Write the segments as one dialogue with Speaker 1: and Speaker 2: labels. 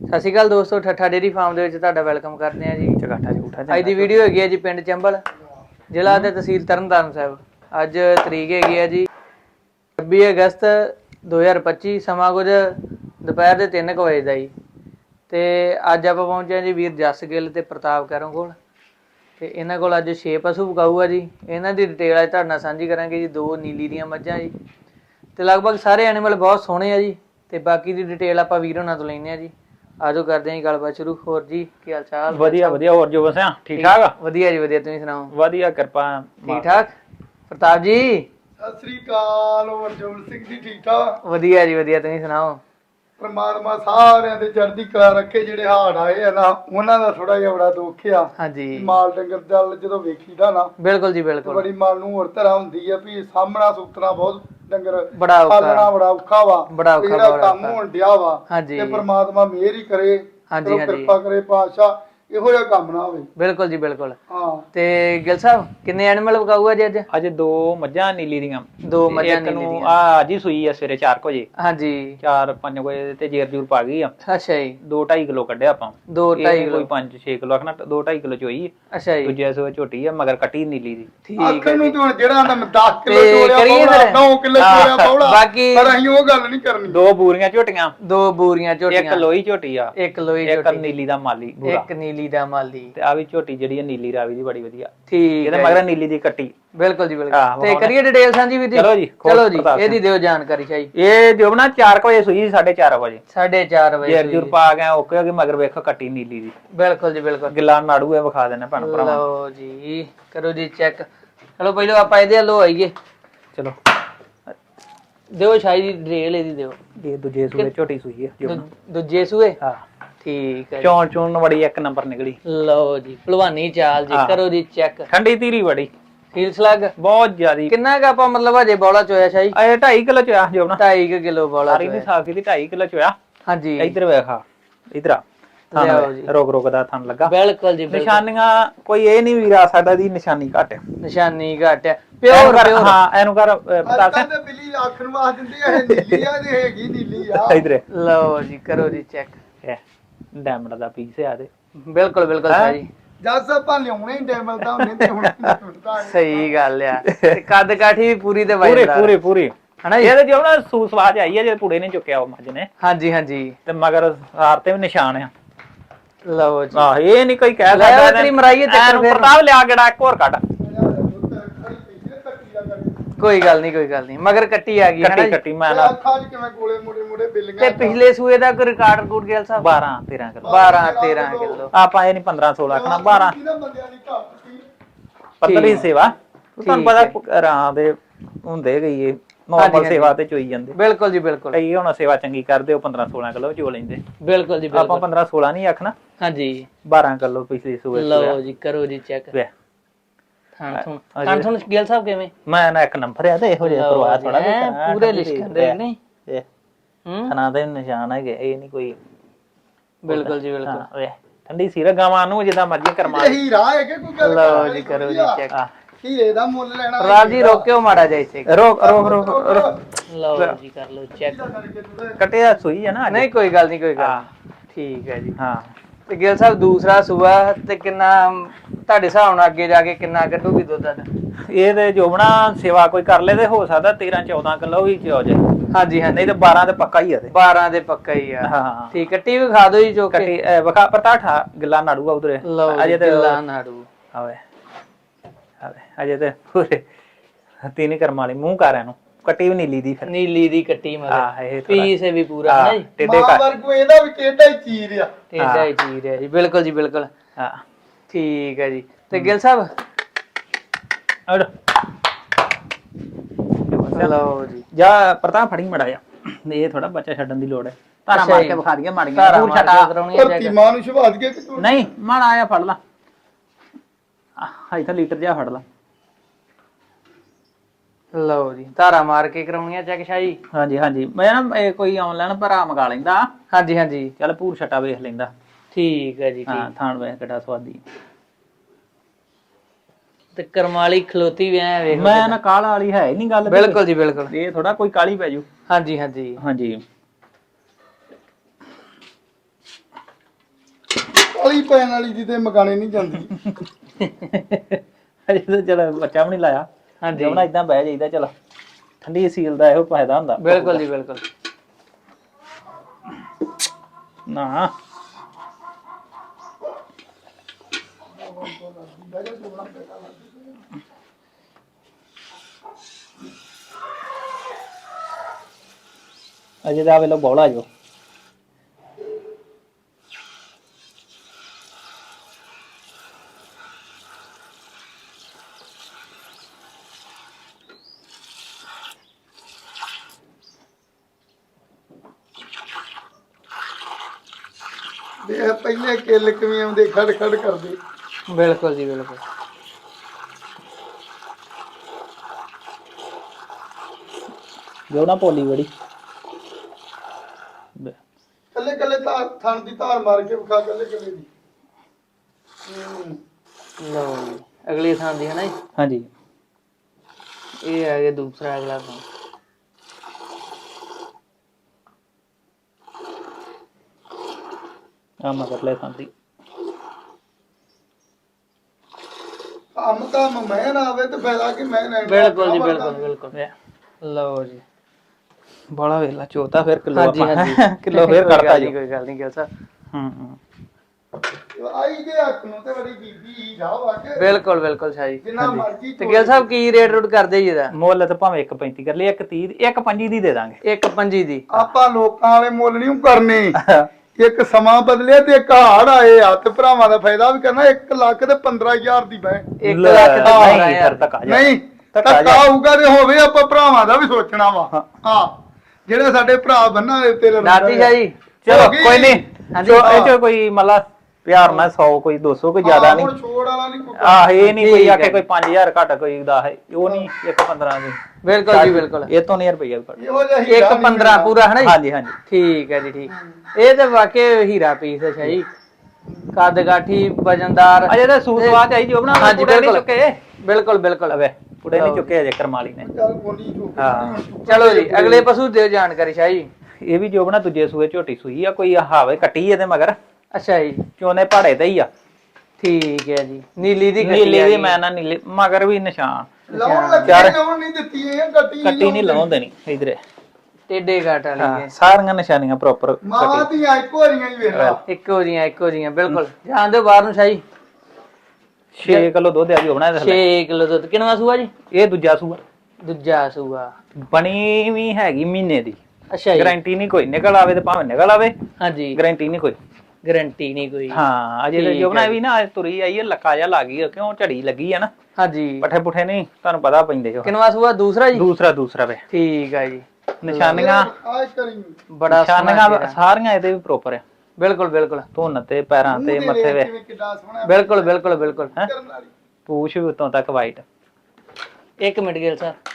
Speaker 1: ਸਤਿ ਸ਼੍ਰੀ ਅਕਾਲ ਦੋਸਤੋ, ਠੱਠਾ dairy farm ਦੇ ਵਿੱਚ ਤੁਹਾਡਾ ਵੈਲਕਮ ਕਰਦੇ ਹਾਂ ਜੀ।
Speaker 2: ਚਗਾਠਾ ਝੂਠਾ
Speaker 1: ਅੱਜ ਦੀ ਵੀਡੀਓ ਹੈਗੀ ਹੈ ਜੀ ਪਿੰਡ ਚੰਬਲ, ਜ਼ਿਲ੍ਹਾ ਤੇ ਤਹਿਸੀਲ ਤਰਨਤਾਰਨ ਸਾਹਿਬ। ਅੱਜ ਤਰੀਕ ਹੈਗੀ ਹੈ ਜੀ 26 ਅਗਸਤ 2025, ਸਮਾਂ ਕੁਝ ਦੁਪਹਿਰ ਦੇ 3 ਵਜੇ ਦਾ ਜੀ। ਤੇ ਅੱਜ ਆਪਾਂ ਪਹੁੰਚੇ ਜੀ ਵੀਰ ਜਸ ਗਿੱਲ ਤੇ ਪ੍ਰਤਾਪ ਕੈਰੋਂ ਕੋਲ। ਤੇ ਇਹਨਾਂ ਕੋਲ ਅੱਜ 6 ਪਸ਼ੂ ਵਿਕਾਊ ਆ ਜੀ। ਇਹਨਾਂ ਦੀ ਡਿਟੇਲ ਅੱਜ ਤੁਹਾਡੇ ਨਾਲ ਸਾਂਝੀ ਕਰਾਂਗੇ ਜੀ। 2 ਨੀਲੀ ਦੀਆਂ ਮੱਝਾਂ ਜੀ ਤੇ ਲਗਭਗ ਸਾਰੇ ਐਨੀਮਲ ਬਹੁਤ ਸੋਹਣੇ ਆ ਜੀ। ਤੇ ਬਾਕੀ ਦੀ ਡਿਟੇਲ ਆਪਾਂ ਵੀਰ ਹੋਣਾ ਤੋਂ ਲੈਣੇ ਆ ਜੀ। ਆਜੋ ਕਰਦੇ ਹਾਂ ਗੱਲਬਾਤ ਸ਼ੁਰੂ। ਹੋਰ ਜੀ ਕੀ ਹਾਲ ਚਾਲ?
Speaker 2: ਵਧੀਆ ਵਧੀਆ। ਹੋਰ ਜੋ ਬਸਿਆ ਠੀਕ ਠਾਕ ਆ?
Speaker 1: ਵਧੀਆ ਜੀ ਵਧੀਆ, ਤੁਸੀਂ ਸੁਣਾਓ?
Speaker 2: ਵਧੀਆ ਕਿਰਪਾ
Speaker 1: ਠੀਕ ਠਾਕ। ਪ੍ਰਤਾਪ ਜੀ
Speaker 3: ਸਤਿ ਸ੍ਰੀ ਅਕਾਲ। ਹੋਰ ਜੋਤ ਸਿੰਘ ਜੀ ਠੀਕ ਠਾਕ?
Speaker 1: ਵਧੀਆ ਜੀ ਵਧੀਆ, ਤੁਸੀਂ ਸੁਣਾਓ?
Speaker 3: ਪਰਮਾਤਮਾ ਸਾਰਿਆਂ ਦੇ ਚੜ੍ਹਦੀ ਕਲਾ ਰੱਖੇ। ਜਿਹੜੇ ਹਾੜ ਆਏ ਆ ਨਾ, ਉਹਨਾਂ ਦਾ ਥੋੜਾ ਜਿਹਾ ਬੜਾ ਦੁੱਖ ਆ।
Speaker 1: ਹਾਂਜੀ,
Speaker 3: ਮਾਲ ਡੰਗਰ ਚੱਲ ਜਦੋਂ ਵੇਖੀਦਾ ਨਾ,
Speaker 1: ਬਿਲਕੁਲ ਜੀ ਬਿਲਕੁਲ।
Speaker 3: ਬੜੀ ਮਨ ਨੂੰ ਹੋਰ ਤਰ੍ਹਾਂ ਹੁੰਦੀ ਆ ਵੀ ਸਾਹਮਣਾ ਸੁਤਰਾ ਬਹੁਤ ਡੰਗਰ
Speaker 1: ਬੜਾ ਔਖਾ,
Speaker 3: ਪਾਲਣਾ ਬੜਾ ਔਖਾ ਵਾ।
Speaker 1: ਬੜਾ ਔਖਾ,
Speaker 3: ਜਿਹੜਾ
Speaker 1: ਬੜਾ
Speaker 3: ਕੰਮ
Speaker 1: ਔਖਾ।
Speaker 3: ਹੋਣ ਡਿਆ ਵਾ
Speaker 1: ਹਾਂਜੀ
Speaker 3: ਤੇ ਪਰਮਾਤਮਾ ਮਿਹਰ ਹੀ ਕਰੇ।
Speaker 1: ਹਾਂਜੀ
Speaker 3: ਚਲੋ
Speaker 1: ਹਾਂਜੀ,
Speaker 3: ਕਿਰਪਾ ਕਰੇ ਪਾਤਸ਼ਾਹ, ਇਹੋ ਜਿਹਾ ਕੰਮ ਨਾ ਹੋਵੇ।
Speaker 1: ਬਿਲਕੁਲ ਜੀ ਬਿਲਕੁਲ।
Speaker 3: ਹਾਂ
Speaker 1: ਤੇ ਗਿੱਲ ਸਾਹਿਬ ਕਿੰਨੇ ਐਨੀਮਲ ਵਿਕਾਊ ਆ ਜੀ ਅੱਜ?
Speaker 2: ਅੱਜ 2 ਮੱਝਾਂ ਨੀਲੀ ਦੀਆਂ।
Speaker 1: 2 ਮੱਝਾਂ
Speaker 2: ਇੱਕ
Speaker 1: ਨੀਲੀ
Speaker 2: ਨੂੰ
Speaker 1: ਦੀਆਂ।
Speaker 2: ਆ ਅੱਜ ਹੀ ਸੂਈ ਆ ਸਵੇਰੇ 4 ਵਜੇ।
Speaker 1: ਹਾਂਜੀ
Speaker 2: 4-5 ਵਜੇ ਤੇ ਜੇਰ ਜੂਰ ਪਾ ਗਈ ਆ।
Speaker 1: ਅੱਛਾ ਜੀ।
Speaker 2: 2-2.5 ਕਿਲੋ ਕੱਢਿਆ ਆਪਾਂ।
Speaker 1: 2-2.5
Speaker 2: ਕੋਈ 5-6 ਕਿਲੋ ਆਖਣਾ, 2-2.5 ਕਿਲੋ ਚੋਈ।
Speaker 1: ਅੱਛਾ ਜੀ,
Speaker 2: ਦੂਜੇ ਸੂਏ ਝੋਟੀ ਆ, ਮਗਰ ਕੱਟੀ ਨੀਲੀ ਦੀ।
Speaker 1: ਠੀਕ ਹੈ
Speaker 3: ਆਖਣ ਨੂੰ
Speaker 1: ਜੀ।
Speaker 3: ਤੇ ਹੁਣ ਜਿਹੜਾ ਆਂਦਾ ਮੈਂ 10 ਕਿਲੋ
Speaker 1: ਤੇ
Speaker 3: ਚੋਲਿਆ
Speaker 1: ਕਰੀਏ
Speaker 3: ਪੌੜਾ,
Speaker 1: ਫਿਰ?
Speaker 3: 9 ਕਿਲੋ ਚੋਲਿਆ ਪੌੜਾ,
Speaker 1: ਬਾਕੀ
Speaker 3: ਪਰ ਅਸੀਂ ਉਹ ਗੱਲ ਨਹੀਂ ਕਰਨੀ।
Speaker 2: 2 ਬੂਰੀਆਂ ਝੋਟੀਆਂ,
Speaker 1: 2 ਬੂਰੀਆਂ
Speaker 2: ਇੱਕ
Speaker 1: ਝੋਟੀਆਂ,
Speaker 2: ਲੋਈ ਝੋਟੀ ਆ,
Speaker 1: ਇੱਕ ਲੋਈ
Speaker 2: ਇੱਕ
Speaker 1: ਝੋਟੀ,
Speaker 2: ਨੀਲੀ ਦਾ ਮਾਲੀ ਬੂਰਾ।
Speaker 1: ਇੱਕ ਨੀਲੀ ਦਾ ਮਾਲੀ।
Speaker 2: ਤੇ ਆ ਵੀ ਝੋਟੀ ਜਿਹੜੀ ਆ ਨੀਲੀ ਰਾਵੀ ਦੀ, ਬੜੀ ਵਧੀਆ।
Speaker 1: ਠੀਕ
Speaker 2: ਇਹਦੇ
Speaker 1: ਹੈ
Speaker 2: ਮਗਰ
Speaker 1: ਜੀ।
Speaker 2: ਨੀਲੀ ਦੀ ਕੱਟੀ।
Speaker 1: ਬਿਲਕੁਲ ਜੀ ਬਿਲਕੁਲ।
Speaker 2: ਆਹ,
Speaker 1: ਤੇ ਕਰੀਏ ਡਿਟੇਲ ਸਾਂਝੀ ਵੀਰ ਜੀ?
Speaker 2: ਚਲੋ ਜੀ,
Speaker 1: ਚਲੋ ਜੀ,
Speaker 2: ਪ੍ਰਤਾਪ
Speaker 1: ਇਹਦੀ ਦਿਓ ਜਾਣਕਾਰੀ ਸ਼ਾਹੀ।
Speaker 2: ਇਹ ਜੋ ਨਾ 4 ਵਜੇ ਸੂਈ, 4:30 ਵਜੇ
Speaker 1: 4:30 ਵਜੇ
Speaker 2: ਜੇਰ ਜੁਰ ਪਾ ਗਿਆ। ਓਕੇ ਹੋ ਗਈ, ਮਗਰ ਵੇਖੋ ਕੱਟੀ ਨੀਲੀ ਦੀ।
Speaker 1: ਬਿਲਕੁਲ ਜੀ ਬਿਲਕੁਲ।
Speaker 2: ਗਿੱਲਾ ਨਾੜੂ ਇਹ ਵਿਖਾ ਦੇਣਾ ਭੈਣ ਭਰਾਵਾਂ।
Speaker 1: ਲਓ ਜੀ, ਕਰੋ ਜੀ ਚੈੱਕ। ਚਲੋ ਪਹਿਲਾਂ ਆਪਾਂ ਇਹਦੇ ਵੱਲੋਂ ਆਈਏ।
Speaker 2: ਚਲੋ
Speaker 1: ਦਿਓ ਸ਼ਾਹੀ ਦੀ ਡਿਟੇਲ ਇਹਦੀ ਦਿਓ।
Speaker 2: ਇਹ ਦੂਜੇ ਸੂਏ ਝੋਟੀ ਸੂਈ ਹੈ ਜੋ।
Speaker 1: ਦੂਜੇ ਸੂਏ?
Speaker 2: ਹਾਂ,
Speaker 1: ਠੀਕ ਹੈ ਜੀ।
Speaker 2: ਚੌਣ ਚੂਣ ਬੜੀ 1 ਨੰਬਰ ਨਿਕਲੀ।
Speaker 1: ਲਓ ਜੀ ਭਲਵਾਨੀ ਚਾਲ ਜੀ, ਕਰੋ ਜੀ ਚੈੱਕ।
Speaker 2: ਠੰਡੀ ਧੀਰੀ ਬੜੀ,
Speaker 1: ਹੀਲ ਸਲੱਗ
Speaker 2: ਬਹੁਤ ਜ਼ਿਆਦੀ।
Speaker 1: ਕਿੰਨਾ ਕ ਆਪਾਂ ਮਤਲਬ ਹਜੇ ਬੌਲਾ ਚੋਇਆ ਸ਼ਾਹੀ?
Speaker 2: ਇਹ 2.5 ਕਿਲੋ ਚੋਇਆ ਜੋ ਨਾ।
Speaker 1: 2.5 ਕਿਲੋ ਬੌਲਾ
Speaker 2: ਸਾਰੀ ਦੀ ਸਾਫ ਕੀਤੀ 2.5 ਕਿਲੋ ਚੋਇਆ।
Speaker 1: ਹਾਂਜੀ
Speaker 2: ਇੱਧਰ ਵੇਖਾ, ਇੱਧਰ ਆ
Speaker 1: ਲਿਆਓ ਜੀ।
Speaker 2: ਥਣ ਰੋਕ ਰੋਕ ਦਾ ਥਣ ਲੱਗਾ।
Speaker 1: ਬਿਲਕੁਲ ਜੀ ਬਿਲਕੁਲ।
Speaker 2: ਨਿਸ਼ਾਨੀਆਂ ਕੋਈ ਇਹ ਨਹੀਂ ਵੀਰ ਆ ਸਕਦਾ ਦੀ ਨਿਸ਼ਾਨੀ ਘੱਟ ਹੈ।
Speaker 1: ਨਿਸ਼ਾਨੀ ਘੱਟ ਹੈ, ਪਿਓਰ ਪਿਓਰ।
Speaker 2: ਹਾਂ ਇਹਨੂੰ ਕਰ ਪਤਾ
Speaker 3: ਅੱਜ ਤੇ ਬਿੱਲੀ ਅੱਖ ਨੂੰ ਆਖ ਦਿੰਦੀ ਆ, ਇਹ ਨੀਲੀ ਆ ਤੇ ਹੈਗੀ ਨੀਲੀ ਆ।
Speaker 2: ਇੱਧਰ
Speaker 1: ਲਓ ਜੀ ਕਰੋ ਜੀ ਚੈੱਕ।
Speaker 2: ਇਹ ਡਾਇਮੰਡ ਦਾ ਪੀਸ ਆ ਤੇ।
Speaker 1: ਬਿਲਕੁਲ ਬਿਲਕੁਲ ਸ਼ਾਹੀ।
Speaker 3: ਜੱਜ ਆਪਾਂ ਲਿਆਉਣੇ ਹੀ ਡੈਮਲ ਦਾ ਹੁੰਦੇ ਤੇ ਹੁਣ
Speaker 1: ਸਹੀ ਗੱਲ ਆ। ਤੇ ਕੱਦ ਕਾਠੀ ਵੀ ਪੂਰੀ ਤੇ
Speaker 2: ਪੂਰੇ
Speaker 1: ਵਾਈਦਾਰ
Speaker 2: ਪੂਰੇ ਪੂਰੇ
Speaker 1: ਹਨਾ ਜੀ?
Speaker 2: ਇਹਦੇ ਜੋ ਨਾ ਸੂਸਵਾਜ ਆਈ ਹੈ, ਜੇ ਪੁੜੇ ਨੇ ਚੁੱਕਿਆ ਉਹ ਮੱਝ ਨੇ।
Speaker 1: ਹਾਂਜੀ ਹਾਂਜੀ
Speaker 2: ਤੇ ਮਗਰ ਹਾਰ ਤੇ ਵੀ ਨਿਸ਼ਾਨ ਆ।
Speaker 1: ਲਓ ਜੀ।
Speaker 2: ਆਹ ਇਹ ਨਹੀਂ ਕੋਈ ਕਹਿ
Speaker 1: ਲੈ
Speaker 2: ਸਕਦਾ
Speaker 1: ਤੇਰੀ ਮਰਾਈਏ ਚੱਕਰ
Speaker 2: ਐਨੂੰ
Speaker 1: ਫਿਰ।
Speaker 2: ਪ੍ਰਤਾਪ ਲਿਆ ਗੜਾ ਇੱਕ ਹੋਰ ਕੱਢ।
Speaker 1: ਕੋਈ ਗੱਲ ਨਹੀਂ ਕੋਈ ਗੱਲ ਨਹੀਂ, ਮਗਰ ਕੱਟੀ ਆ ਗਈ ਹੈ ਨਾ
Speaker 2: ਕੱਟੀ
Speaker 1: ਜੀ?
Speaker 2: ਕੱਟੀ ਮੈਂ ਨਾ
Speaker 3: ਅੱਖਾਂ 'ਚ ਕਿਵੇਂ ਗੋਲੇ ਮੋੜੇ ਮੋੜੇ ਬਿੱਲੀਆਂ।
Speaker 1: ਤੇ ਪਿਛਲੇ ਸੂਏ ਦਾ ਕੋਈ ਰਿਕਾਰਡ ਰਿਕੂਡ ਗਿਲ ਸਾਹਿਬ?
Speaker 2: 12-13 ਕਿਲੋ।
Speaker 1: 12-13 ਕਿਲੋ।
Speaker 2: ਆਪਾਂ ਇਹ ਨਹੀਂ 15-16 ਆਖਣਾ, 12
Speaker 3: ਬੰਦਿਆਂ ਦੀ ਘੱਟ ਸੀ।
Speaker 2: ਪਤਲੀ ਸੇਵਾ। ਤੁਹਾਨੂੰ
Speaker 1: ਠੀਕ
Speaker 2: ਪਤਾ ਰਾਂ ਦੇ ਹੁੰਦੇ ਗਈ ਇਹ ਨੋਰਮਲ
Speaker 1: ਹਾਂਜੀ।
Speaker 2: ਸੇਵਾ ਤੇ ਚੋਈ ਜਾਂਦੇ।
Speaker 1: ਬਿਲਕੁਲ ਜੀ ਬਿਲਕੁਲ।
Speaker 2: ਕਈ ਹੁਣ ਸੇਵਾ ਚੰਗੀ ਕਰਦੇ ਉਹ 15-16 ਕਿਲੋ ਚੋ ਲੈਂਦੇ।
Speaker 1: ਬਿਲਕੁਲ ਜੀ
Speaker 2: ਆਪਾਂ
Speaker 1: ਬਿਲਕੁਲ।
Speaker 2: 15-16 ਨਹੀਂ ਆਖਣਾ,
Speaker 1: ਹਾਂਜੀ
Speaker 2: 12 ਕਿਲੋ ਪਿਛਲੀ ਸੂਏ
Speaker 1: ਲਓ ਜੀ ਕਰੋ ਜੀ ਚੈੱਕ।
Speaker 2: ਵੇ
Speaker 1: ਥਾਂ ਸੁਣ ਗਿਲ ਸਾਹਿਬ ਕਿਵੇਂ?
Speaker 2: ਮੈਂ ਨਾ 1 ਨੰਬਰ ਆ ਤੇ ਇਹੋ ਜਿਹਾ ਪਰਵਾਹ ਥੋੜਾ
Speaker 1: ਪੂਰੇ ਲਿਸ਼ਕਣ ਦੇ ਨਹੀਂ? ਹੂੰ
Speaker 2: ਥਣਾ ਦੇ ਨਿਸ਼ਾਨ ਹੈਗੇ, ਇਹ ਨਹੀਂ ਕੋਈ।
Speaker 1: ਬਿਲਕੁਲ ਜੀ ਬਿਲਕੁਲ।
Speaker 2: ਵੇ ਠੰਡੀ ਸੀਰ ਗਾਵਾਂ ਨੂੰ ਜਿੱਦਾਂ ਮਰਜ਼ੀ ਕਰਮਾ।
Speaker 3: ਇਹ ਹੀਰਾ ਹੈ ਕਿ ਕੋਈ ਗੱਲ
Speaker 1: ਲਓ ਜੀ ਕਰੋ ਜੀ ਚੈੱਕ।
Speaker 3: ਹੀਰੇ ਦਾ ਮੁੱਲ ਲੈਣਾ।
Speaker 1: ਰਾਜ ਜੀ ਰੋਕਿਓ ਮਾੜਾ ਜਿਹਾ ਇੱਥੇ।
Speaker 2: ਰੋਕ ਰੋਕ ਰੋਕ ਰੋਕ।
Speaker 1: ਲਓ ਜੀ ਕਰ ਲਓ ਚੈੱਕ।
Speaker 2: ਕਟਿਆ ਸੂਈ ਹੈ ਨਾ।
Speaker 1: ਨਹੀਂ ਕੋਈ ਗੱਲ ਨਹੀਂ ਕੋਈ ਗੱਲ ਨੀ। ਠੀਕ ਹੈ ਜੀ।
Speaker 2: ਹਾਂ
Speaker 1: ਤੇ ਗਿਲ ਸਾਹਿਬ ਦੂਸਰਾ ਸੂਆ ਤੇ ਕਿੰਨਾ ਤੁਹਾਡੇ ਹਿਸਾਬ ਨਾਲ ਅੱਗੇ ਜਾ ਕੇ ਕਿੰਨਾ ਕੱਢੂਗੀ ਦੁੱਧ ਦਾ?
Speaker 2: ਇਹ ਤੇ ਜੋਬਣਾ ਸੇਵਾ ਕੋਈ ਕਰ ਲੇ ਤੇ ਹੋ ਸਕਦਾ 13-14 ਕਿਲੋ ਵੀ ਹੋ ਜਾਏ।
Speaker 1: ਹਾਂਜੀ ਹਾਂਜੀ।
Speaker 2: ਨਹੀਂ ਤੇ 12 ਤੇ ਪੱਕਾ ਹੀ ਆ ਤੇ।
Speaker 1: 12 ਦੇ ਪੱਕਾ ਹੀ ਆ।
Speaker 2: ਹਾਂ
Speaker 1: ਠੀਕ ਕੱਟੀ ਵੀ ਖਾ ਦੋ ਜੀ ਚੋਕੇ।
Speaker 2: ਕੱਟੀ ਵਖਾ ਪਰਤਾਠਾ ਗਿੱਲਾ ਨਾੜੂਗਾ ਉਧਰੇ।
Speaker 1: ਲਓ
Speaker 2: ਅਜੇ ਤੇ
Speaker 1: ਗਿੱਲਾ ਨਾੜੂ।
Speaker 2: ਆਵੇ ਆਵੇ ਅਜੇ ਤੇ ਪੂਰੇ ਤਿੰਨ ਕਰਮ ਵਾਲੀ ਮੂੰਹ ਕਰ ਇਹਨੂੰ। ਕੱਟੀ ਵੀ ਨੀਲੀ ਦੀ ਫਿਰ।
Speaker 1: ਨੀਲੀ ਦੀ ਕੱਟੀ
Speaker 2: ਹਾਂ,
Speaker 1: ਮਗਰ
Speaker 2: ਇਹ ਥੋੜ੍ਹਾ-
Speaker 1: ਪੀਸ ਵੀ ਪੂਰਾ ਹੈ ਨਾ ਜੀ?
Speaker 2: ਟੇਡੇ
Speaker 3: ਮਾਂ
Speaker 2: ਕਰ।
Speaker 3: ਵਰਗੂ ਇਹਦਾ ਵੀ ਟੇਡਾ ਹੀ ਚੀਰ ਆ।
Speaker 1: ਟੇਡਾ ਹੀ ਚੀਰ ਹੈ ਜੀ। ਬਿਲਕੁਲ ਜੀ ਬਿਲਕੁਲ।
Speaker 2: ਹਾਂ
Speaker 1: ਠੀਕ ਹੈ ਜੀ। ਤੇ ਗਿਲ ਸਾਹਿਬ
Speaker 2: ਅੜ
Speaker 1: ਲਓ ਜੀ
Speaker 2: ਜਾ ਪ੍ਰਤਾਪ ਫੜੀ ਮੜਾ ਜਾ। ਇਹ ਥੋੜਾ ਬੱਚਾ ਛੱਡਣ ਦੀ ਲੋੜ ਹੈ। ਧਾਰਾ
Speaker 1: ਅੱਛਾ
Speaker 2: ਮਾਰ
Speaker 1: ਜੀ।
Speaker 2: ਕੇ ਵਿਖਾ ਦਈਏ ਮਾੜੀਆਂ।
Speaker 1: ਧਾਰਾ
Speaker 2: ਦੂਰ
Speaker 1: ਮਾਰ ਕੇ
Speaker 2: ਛੱਡਾ।
Speaker 1: ਕਰਾਉਣੀ ਹੈ
Speaker 3: ਧਰਤੀ
Speaker 1: ਚੈੱਕ।
Speaker 3: ਮਾਂ ਨੂੰ ਸ਼ੁਭਾਤ ਕੇ ਤੂੰ
Speaker 2: ਨਹੀਂ ਮਾੜਾ ਆਇਆ ਫੜ ਲਾ। ਇੱਥੇ ਲੀਟਰ ਜਿਹਾ ਫੜ ਲਾ।
Speaker 1: ਲਓ ਜੀ ਧਾਰਾ ਮਾਰ ਕੇ ਕਰਾਉਣੀ ਆ ਚੈੱਕ ਸ਼ਾਹੀ?
Speaker 2: ਹਾਂਜੀ ਹਾਂਜੀ। ਮੈਂ ਨਾ ਇਹ ਕੋਈ ਆਨਲਾਈਨ ਭਰਾ ਮੰਗਾ ਲੈਂਦਾ।
Speaker 1: ਹਾਂਜੀ ਹਾਂਜੀ
Speaker 2: ਚੱਲ ਪੂਰ ਛਟਾ ਵੇਖ ਲੈਂਦਾ।
Speaker 1: ਠੀਕ ਹੈ ਜੀ।
Speaker 2: ਹਾਂ
Speaker 1: ਠੀਕ
Speaker 2: ਥਾਣ ਵੇਖ ਕਿੱਡਾ ਸਵਾਦੀ।
Speaker 1: ਤੇ ਕਰਮਾਲੀ ਖਲੋਤੀ ਵੀ ਐ ਵੇਖ।
Speaker 2: ਮੈਂ ਨਾ ਕਾਲਾ ਵਾਲੀ ਹੈ ਨਹੀਂ ਗੱਲ।
Speaker 1: ਬਿਲਕੁਲ ਜੀ ਬਿਲਕੁਲ।
Speaker 2: ਇਹ ਥੋੜਾ ਕੋਈ ਕਾਲੀ ਪੈ ਜੂ।
Speaker 1: ਹਾਂਜੀ ਹਾਂਜੀ
Speaker 2: ਹਾਂਜੀ
Speaker 3: ਆਈ ਪੈਣ ਵਾਲੀ ਦੀ ਤੇ ਮਕਾਨੇ ਨਹੀਂ ਜਾਂਦੀ।
Speaker 2: ਅਜੇ ਤਾਂ ਚਲ ਬੱਚਾ ਵੀ ਨਹੀਂ ਲਾਇਆ।
Speaker 1: ਹਾਂਜੀ
Speaker 2: ਜਮਨਾ ਇਦਾਂ ਬਹਿ ਜਾਈਦਾ ਚਲ ਠੰਡੀ ਸੀਲ ਦਾ ਇਹੋ ਫਾਇਦਾ ਹੁੰਦਾ।
Speaker 1: ਬਿਲਕੁਲ ਜੀ ਬਿਲਕੁਲ।
Speaker 2: ਨਾ ਅਜੇ ਦਾ ਵੇਲੋ ਬੋਲਾ ਜੋ
Speaker 3: ਇਹ ਪਹਿਲੇ ਕਿੱਲ ਕਿਵੇਂ ਆਉਂਦੇ ਖੜ ਖੜ ਕਰਦੇ।
Speaker 1: ਬਿਲਕੁਲ ਜੀ ਬਿਲਕੁਲ।
Speaker 2: ਜੋ ਨਾ ਪੋਲੀ ਬੜੀ
Speaker 3: ਕੱਲੇ ਕੱਲੇ ਥਣ ਦੀ ਧਾਰ ਮਾਰ ਕੇ ਵਿਖਾ ਕੱਲੇ ਕੱਲੇ ਦੀ।
Speaker 1: ਲਓ ਜੀ ਅਗਲੀ ਥਾਂ ਦੀ ਹੈ ਨਾ ਜੀ।
Speaker 2: ਹਾਂਜੀ
Speaker 1: ਇਹ ਹੈ ਜੀ ਦੂਸਰਾ ਅਗਲਾ ਥਾਂ।
Speaker 2: ਆ ਮਗਰ ਲੈ ਸੰਦੀ
Speaker 3: ਕੰਮ ਮੈਂ ਨਾ ਆਵੇ ਤੇ ਫਾਇਦਾ ਕਿ ਮੈਂ ਨਾ।
Speaker 1: ਬਿਲਕੁਲ ਜੀ ਬਿਲਕੁਲ ਬਿਲਕੁਲ। ਲਓ ਜੀ
Speaker 2: ਬੜਾ ਵੇਲਾ ਚੋਤਾ ਫਿਰ ਕਿਲੋ
Speaker 1: ਹਾਂਜੀ ਹਾਂਜੀ
Speaker 2: ਕਿਲੋ ਫਿਰ
Speaker 1: ਕੋਈ
Speaker 2: ਕੱਢਤਾ
Speaker 1: ਗੱਲ
Speaker 2: ਜੀ।
Speaker 1: ਨੀ, ਕੋਈ ਗੱਲ ਨਹੀਂ ਗਿਲ ਸਾਹਿਬ।
Speaker 3: ਆਈ ਦੇ ਹੱਕ ਨੂੰ ਤੇ ਬੜੀ ਬੀਬੀ ਹੀ ਜਾ ਵਾਕੇ।
Speaker 1: ਬਿਲਕੁਲ ਬਿਲਕੁਲ ਸ਼ਾਹ ਜੀ।
Speaker 3: ਜਿੰਨਾ ਮਰਜ਼ੀ
Speaker 1: ਤੇ ਗਿਲ ਸਾਹਿਬ ਕੀ ਰੇਟ ਰੂਟ ਕਰਦੇ ਜੀ ਇਹਦਾ?
Speaker 2: ਮੁੱਲ ਤਾਂ ਭਾਵੇਂ 1.35 ਕਰ ਲਈ 1.30 1.25 ਦੀ ਦੇ ਦਾਂਗੇ।
Speaker 1: 1.25 ਦੀ।
Speaker 3: ਆਪਾਂ ਲੋਕਾਂ ਵਾਲੇ ਮੁੱਲ ਨਹੀਂ ਕਰਨੇ। ਇੱਕ ਸਮਾਂ ਬਦਲਿਆ ਤੇ ਇੱਕ ਹਾੜ ਆਏ ਆ ਤੇ ਭਰਾਵਾਂ ਦਾ ਫਾਇਦਾ ਵੀ ਕਰਨਾ। 1 ਲੱਖ ਤੇ 15,000 ਦੀ ਬੈ
Speaker 1: 1 ਲੱਖ ਤੇ
Speaker 2: ਨਹੀਂ ਫਿਰ ਧੱਕਾ ਜਾ
Speaker 3: ਨਹੀਂ ਧੱਕਾ ਆਊਗਾ ਤੇ ਹੋਵੇ ਆਪਾਂ ਭਰਾਵਾਂ ਦਾ ਵੀ ਸੋਚਣਾ ਵਾ। ਹਾਂ ਜਿਹੜੇ ਸਾਡੇ ਭਰਾ ਬੰਨਾ ਦੇ ਤੇਰੇ
Speaker 1: ਦਾਤੀ ਸ਼ਾਹ ਜੀ
Speaker 2: ਚਲੋ ਕੋਈ ਨਹੀਂ
Speaker 1: ਹਾਂਜੀ।
Speaker 2: ਇਹ ਚ ਕੋਈ ਮਤਲਬ ਪਿਆਰ ਨਾਲ 100 ਕੋਈ 200 ਕੋਈ ਜ਼ਿਆਦਾ ਨਹੀਂ।
Speaker 3: ਹੁਣ ਛੋੜ ਵਾਲਾ ਨਹੀਂ ਕੋਈ।
Speaker 2: ਆਹ ਇਹ ਨਹੀਂ ਕੋਈ
Speaker 1: ਠੀਕ
Speaker 2: ਆਖੇ
Speaker 1: ਹੈ।
Speaker 2: ਕੋਈ 5000 ਘੱਟ ਕੋਈ 10 ਉਹ ਨਹੀਂ 1.15 ਦੀ।
Speaker 1: ਬਿਲਕੁਲ ਜੀ ਬਿਲਕੁਲ।
Speaker 2: ਇਹ ਤੋਂ ਨਹੀਂ ਰੁਪਈਆ ਵੀ ਘੱਟ।
Speaker 3: ਇਹੋ ਜਿਹਾ ਹੀਰਾ
Speaker 1: 1.15 ਪੂਰਾ ਹੈ ਨਾ ਜੀ?
Speaker 2: ਹਾਂਜੀ ਹਾਂਜੀ
Speaker 1: ਠੀਕ ਹੈ ਜੀ ਠੀਕ। ਇਹ ਤੇ ਵਾਕਿਆ ਹੀਰਾ ਪੀਸ ਹੈ ਸ਼ਾਹ ਜੀ। ਕੱਦ ਕਾਠੀ ਵਜਨਦਾਰ।
Speaker 2: ਅਜੇ ਤਾਂ ਸੂਸਵਾਦ ਆਈ ਜੋ ਬਣਾ
Speaker 1: ਹਾਂਜੀ
Speaker 2: ਨਹੀਂ
Speaker 1: ਬਿਲਕੁਲ
Speaker 2: ਚੁੱਕੇ।
Speaker 1: ਬਿਲਕੁਲ ਬਿਲਕੁਲ।
Speaker 2: ਅਵੇ ਪੁੜੇ ਨਹੀਂ ਚੁੱਕੇ ਅਜੇ ਕਰਮਾਲੀ ਨੇ।
Speaker 3: ਚੱਲ ਗੋਲੀ ਚੁੱਕ।
Speaker 2: ਹਾਂ
Speaker 1: ਚਲੋ ਜੀ ਅਗਲੇ ਪਸ਼ੂ ਦਿਓ ਜਾਣਕਾਰੀ ਸ਼ਾਹ ਜੀ।
Speaker 2: ਇਹ ਵੀ ਜੋ ਬਣਾ ਦੂਜੇ ਸੂਏ ਝੋਟੀ ਸੂਈ ਆ ਕੋਈ ਹਾਵੇ ਕੱਟੀ ਇਹਦੇ ਮਗਰ
Speaker 1: ਅੱਛਾ ਜੀ
Speaker 2: ਚੋਨੇ ਪਹਾੜੇ ਤੇ ਹੀ ਆ।
Speaker 1: ਠੀਕ ਹੈ ਜੀ। ਨੀਲੀ ਦੀ
Speaker 2: ਨੀਲੇ ਦੀ ਮੈਂ ਨਾ ਨੀਲੇ ਮਗਰ ਵੀ ਨਿਸ਼ਾਨ
Speaker 3: ਲਾਉਣ ਲੱਗੇ ਲਾਉਣ ਨਹੀਂ ਦਿੱਤੀ ਇਹ
Speaker 2: ਕੱਟੀ ਨਹੀਂ ਲਾਉਣ ਦੇਣੀ ਇਧਰੇ
Speaker 1: ਟੇਡੇ ਘਾਟ ਵਾਲੀ ਹੈ।
Speaker 2: ਸਾਰੀਆਂ ਨਿਸ਼ਾਨੀਆਂ ਪ੍ਰੋਪਰ
Speaker 3: ਮਾਂ ਦੀਆਂ ਇੱਕੋ ਜੀਆਂ ਹੀ ਵੇਖਾ।
Speaker 1: ਇੱਕੋ ਜੀਆਂ ਬਿਲਕੁਲ। ਜਾਣ ਦਿਓ ਬਾਹਰ ਨੂੰ ਸ਼ਾਹ ਜੀ।
Speaker 2: 6 ਕਿਲੋ ਦੁੱਧ ਆ ਜੀ ਹੋਣਾ ਇਹਦੇ
Speaker 1: 6 ਕਿਲੋ ਦੁੱਧ ਕਿੰਨਾ ਸੂਆ ਜੀ?
Speaker 2: ਇਹ ਦੂਜਾ ਸੂਆ
Speaker 1: ਦੂਜਾ ਸੂਆ।
Speaker 2: ਬਣੀ ਵੀ ਹੈਗੀ ਮਹੀਨੇ ਦੀ।
Speaker 1: ਅੱਛਾ ਜੀ।
Speaker 2: ਗਾਰੰਟੀ ਨਹੀਂ ਕੋਈ ਨਿਕਲ ਆਵੇ ਤੇ ਭਾਵੇਂ ਨਿਕਲ ਆਵੇ।
Speaker 1: ਹਾਂਜੀ
Speaker 2: ਗਾਰੰਟੀ ਨਹੀਂ ਕੋਈ।
Speaker 1: ਗਾਰੰਟੀ ਨਹੀਂ ਕੋਈ।
Speaker 2: ਹਾਂ ਅਜੇ ਜੋ ਬਣਾ ਵੀ ਨਾ ਤੁਰੀ ਆਈ ਹੈ ਲੱਕਾ ਜਾ ਲੱਗ ਗਈ ਕਿਉਂ ਝੜੀ ਲੱਗੀ ਆ ਨਾ।
Speaker 1: ਹਾਂਜੀ
Speaker 2: ਪੱਠੇ ਪੁੱਠੇ ਨਹੀਂ ਤੁਹਾਨੂੰ ਪਤਾ ਪੈਂਦੇ ਜੋ।
Speaker 1: ਕਿੰਨਾ ਸੂਆ? ਦੂਸਰਾ ਜੀ।
Speaker 2: ਦੂਸਰਾ ਵੇ
Speaker 1: ਠੀਕ ਹੈ ਜੀ।
Speaker 2: ਨਿਸ਼ਾਨੀਆਂ
Speaker 3: ਆਹ ਕਰੀ
Speaker 1: ਬੜਾ ਸੋਹਣਾ
Speaker 2: ਨਿਸ਼ਾਨੀਆਂ ਸਾਰੀਆਂ ਇਹਦੇ ਵੀ ਪ੍ਰੋਪਰ ਆ।
Speaker 1: ਬਿਲਕੁਲ ਬਿਲਕੁਲ
Speaker 2: ਧੁੰਨ ਤੇ ਪੈਰਾਂ ਤੇ ਮੱਥੇ ਵੇ
Speaker 3: ਕਿੱਡਾ ਸੋਹਣਾ
Speaker 1: ਬਿਲਕੁਲ ਬਿਲਕੁਲ ਬਿਲਕੁਲ।
Speaker 3: ਕਰਨ ਵਾਲੀ।
Speaker 2: ਪੂਛ ਵੀ ਉਤੋਂ ਤੱਕ ਵਾਈਟ।
Speaker 1: 1 ਮਿੰਟ ਗਿਲ ਸਾਹਿਬ।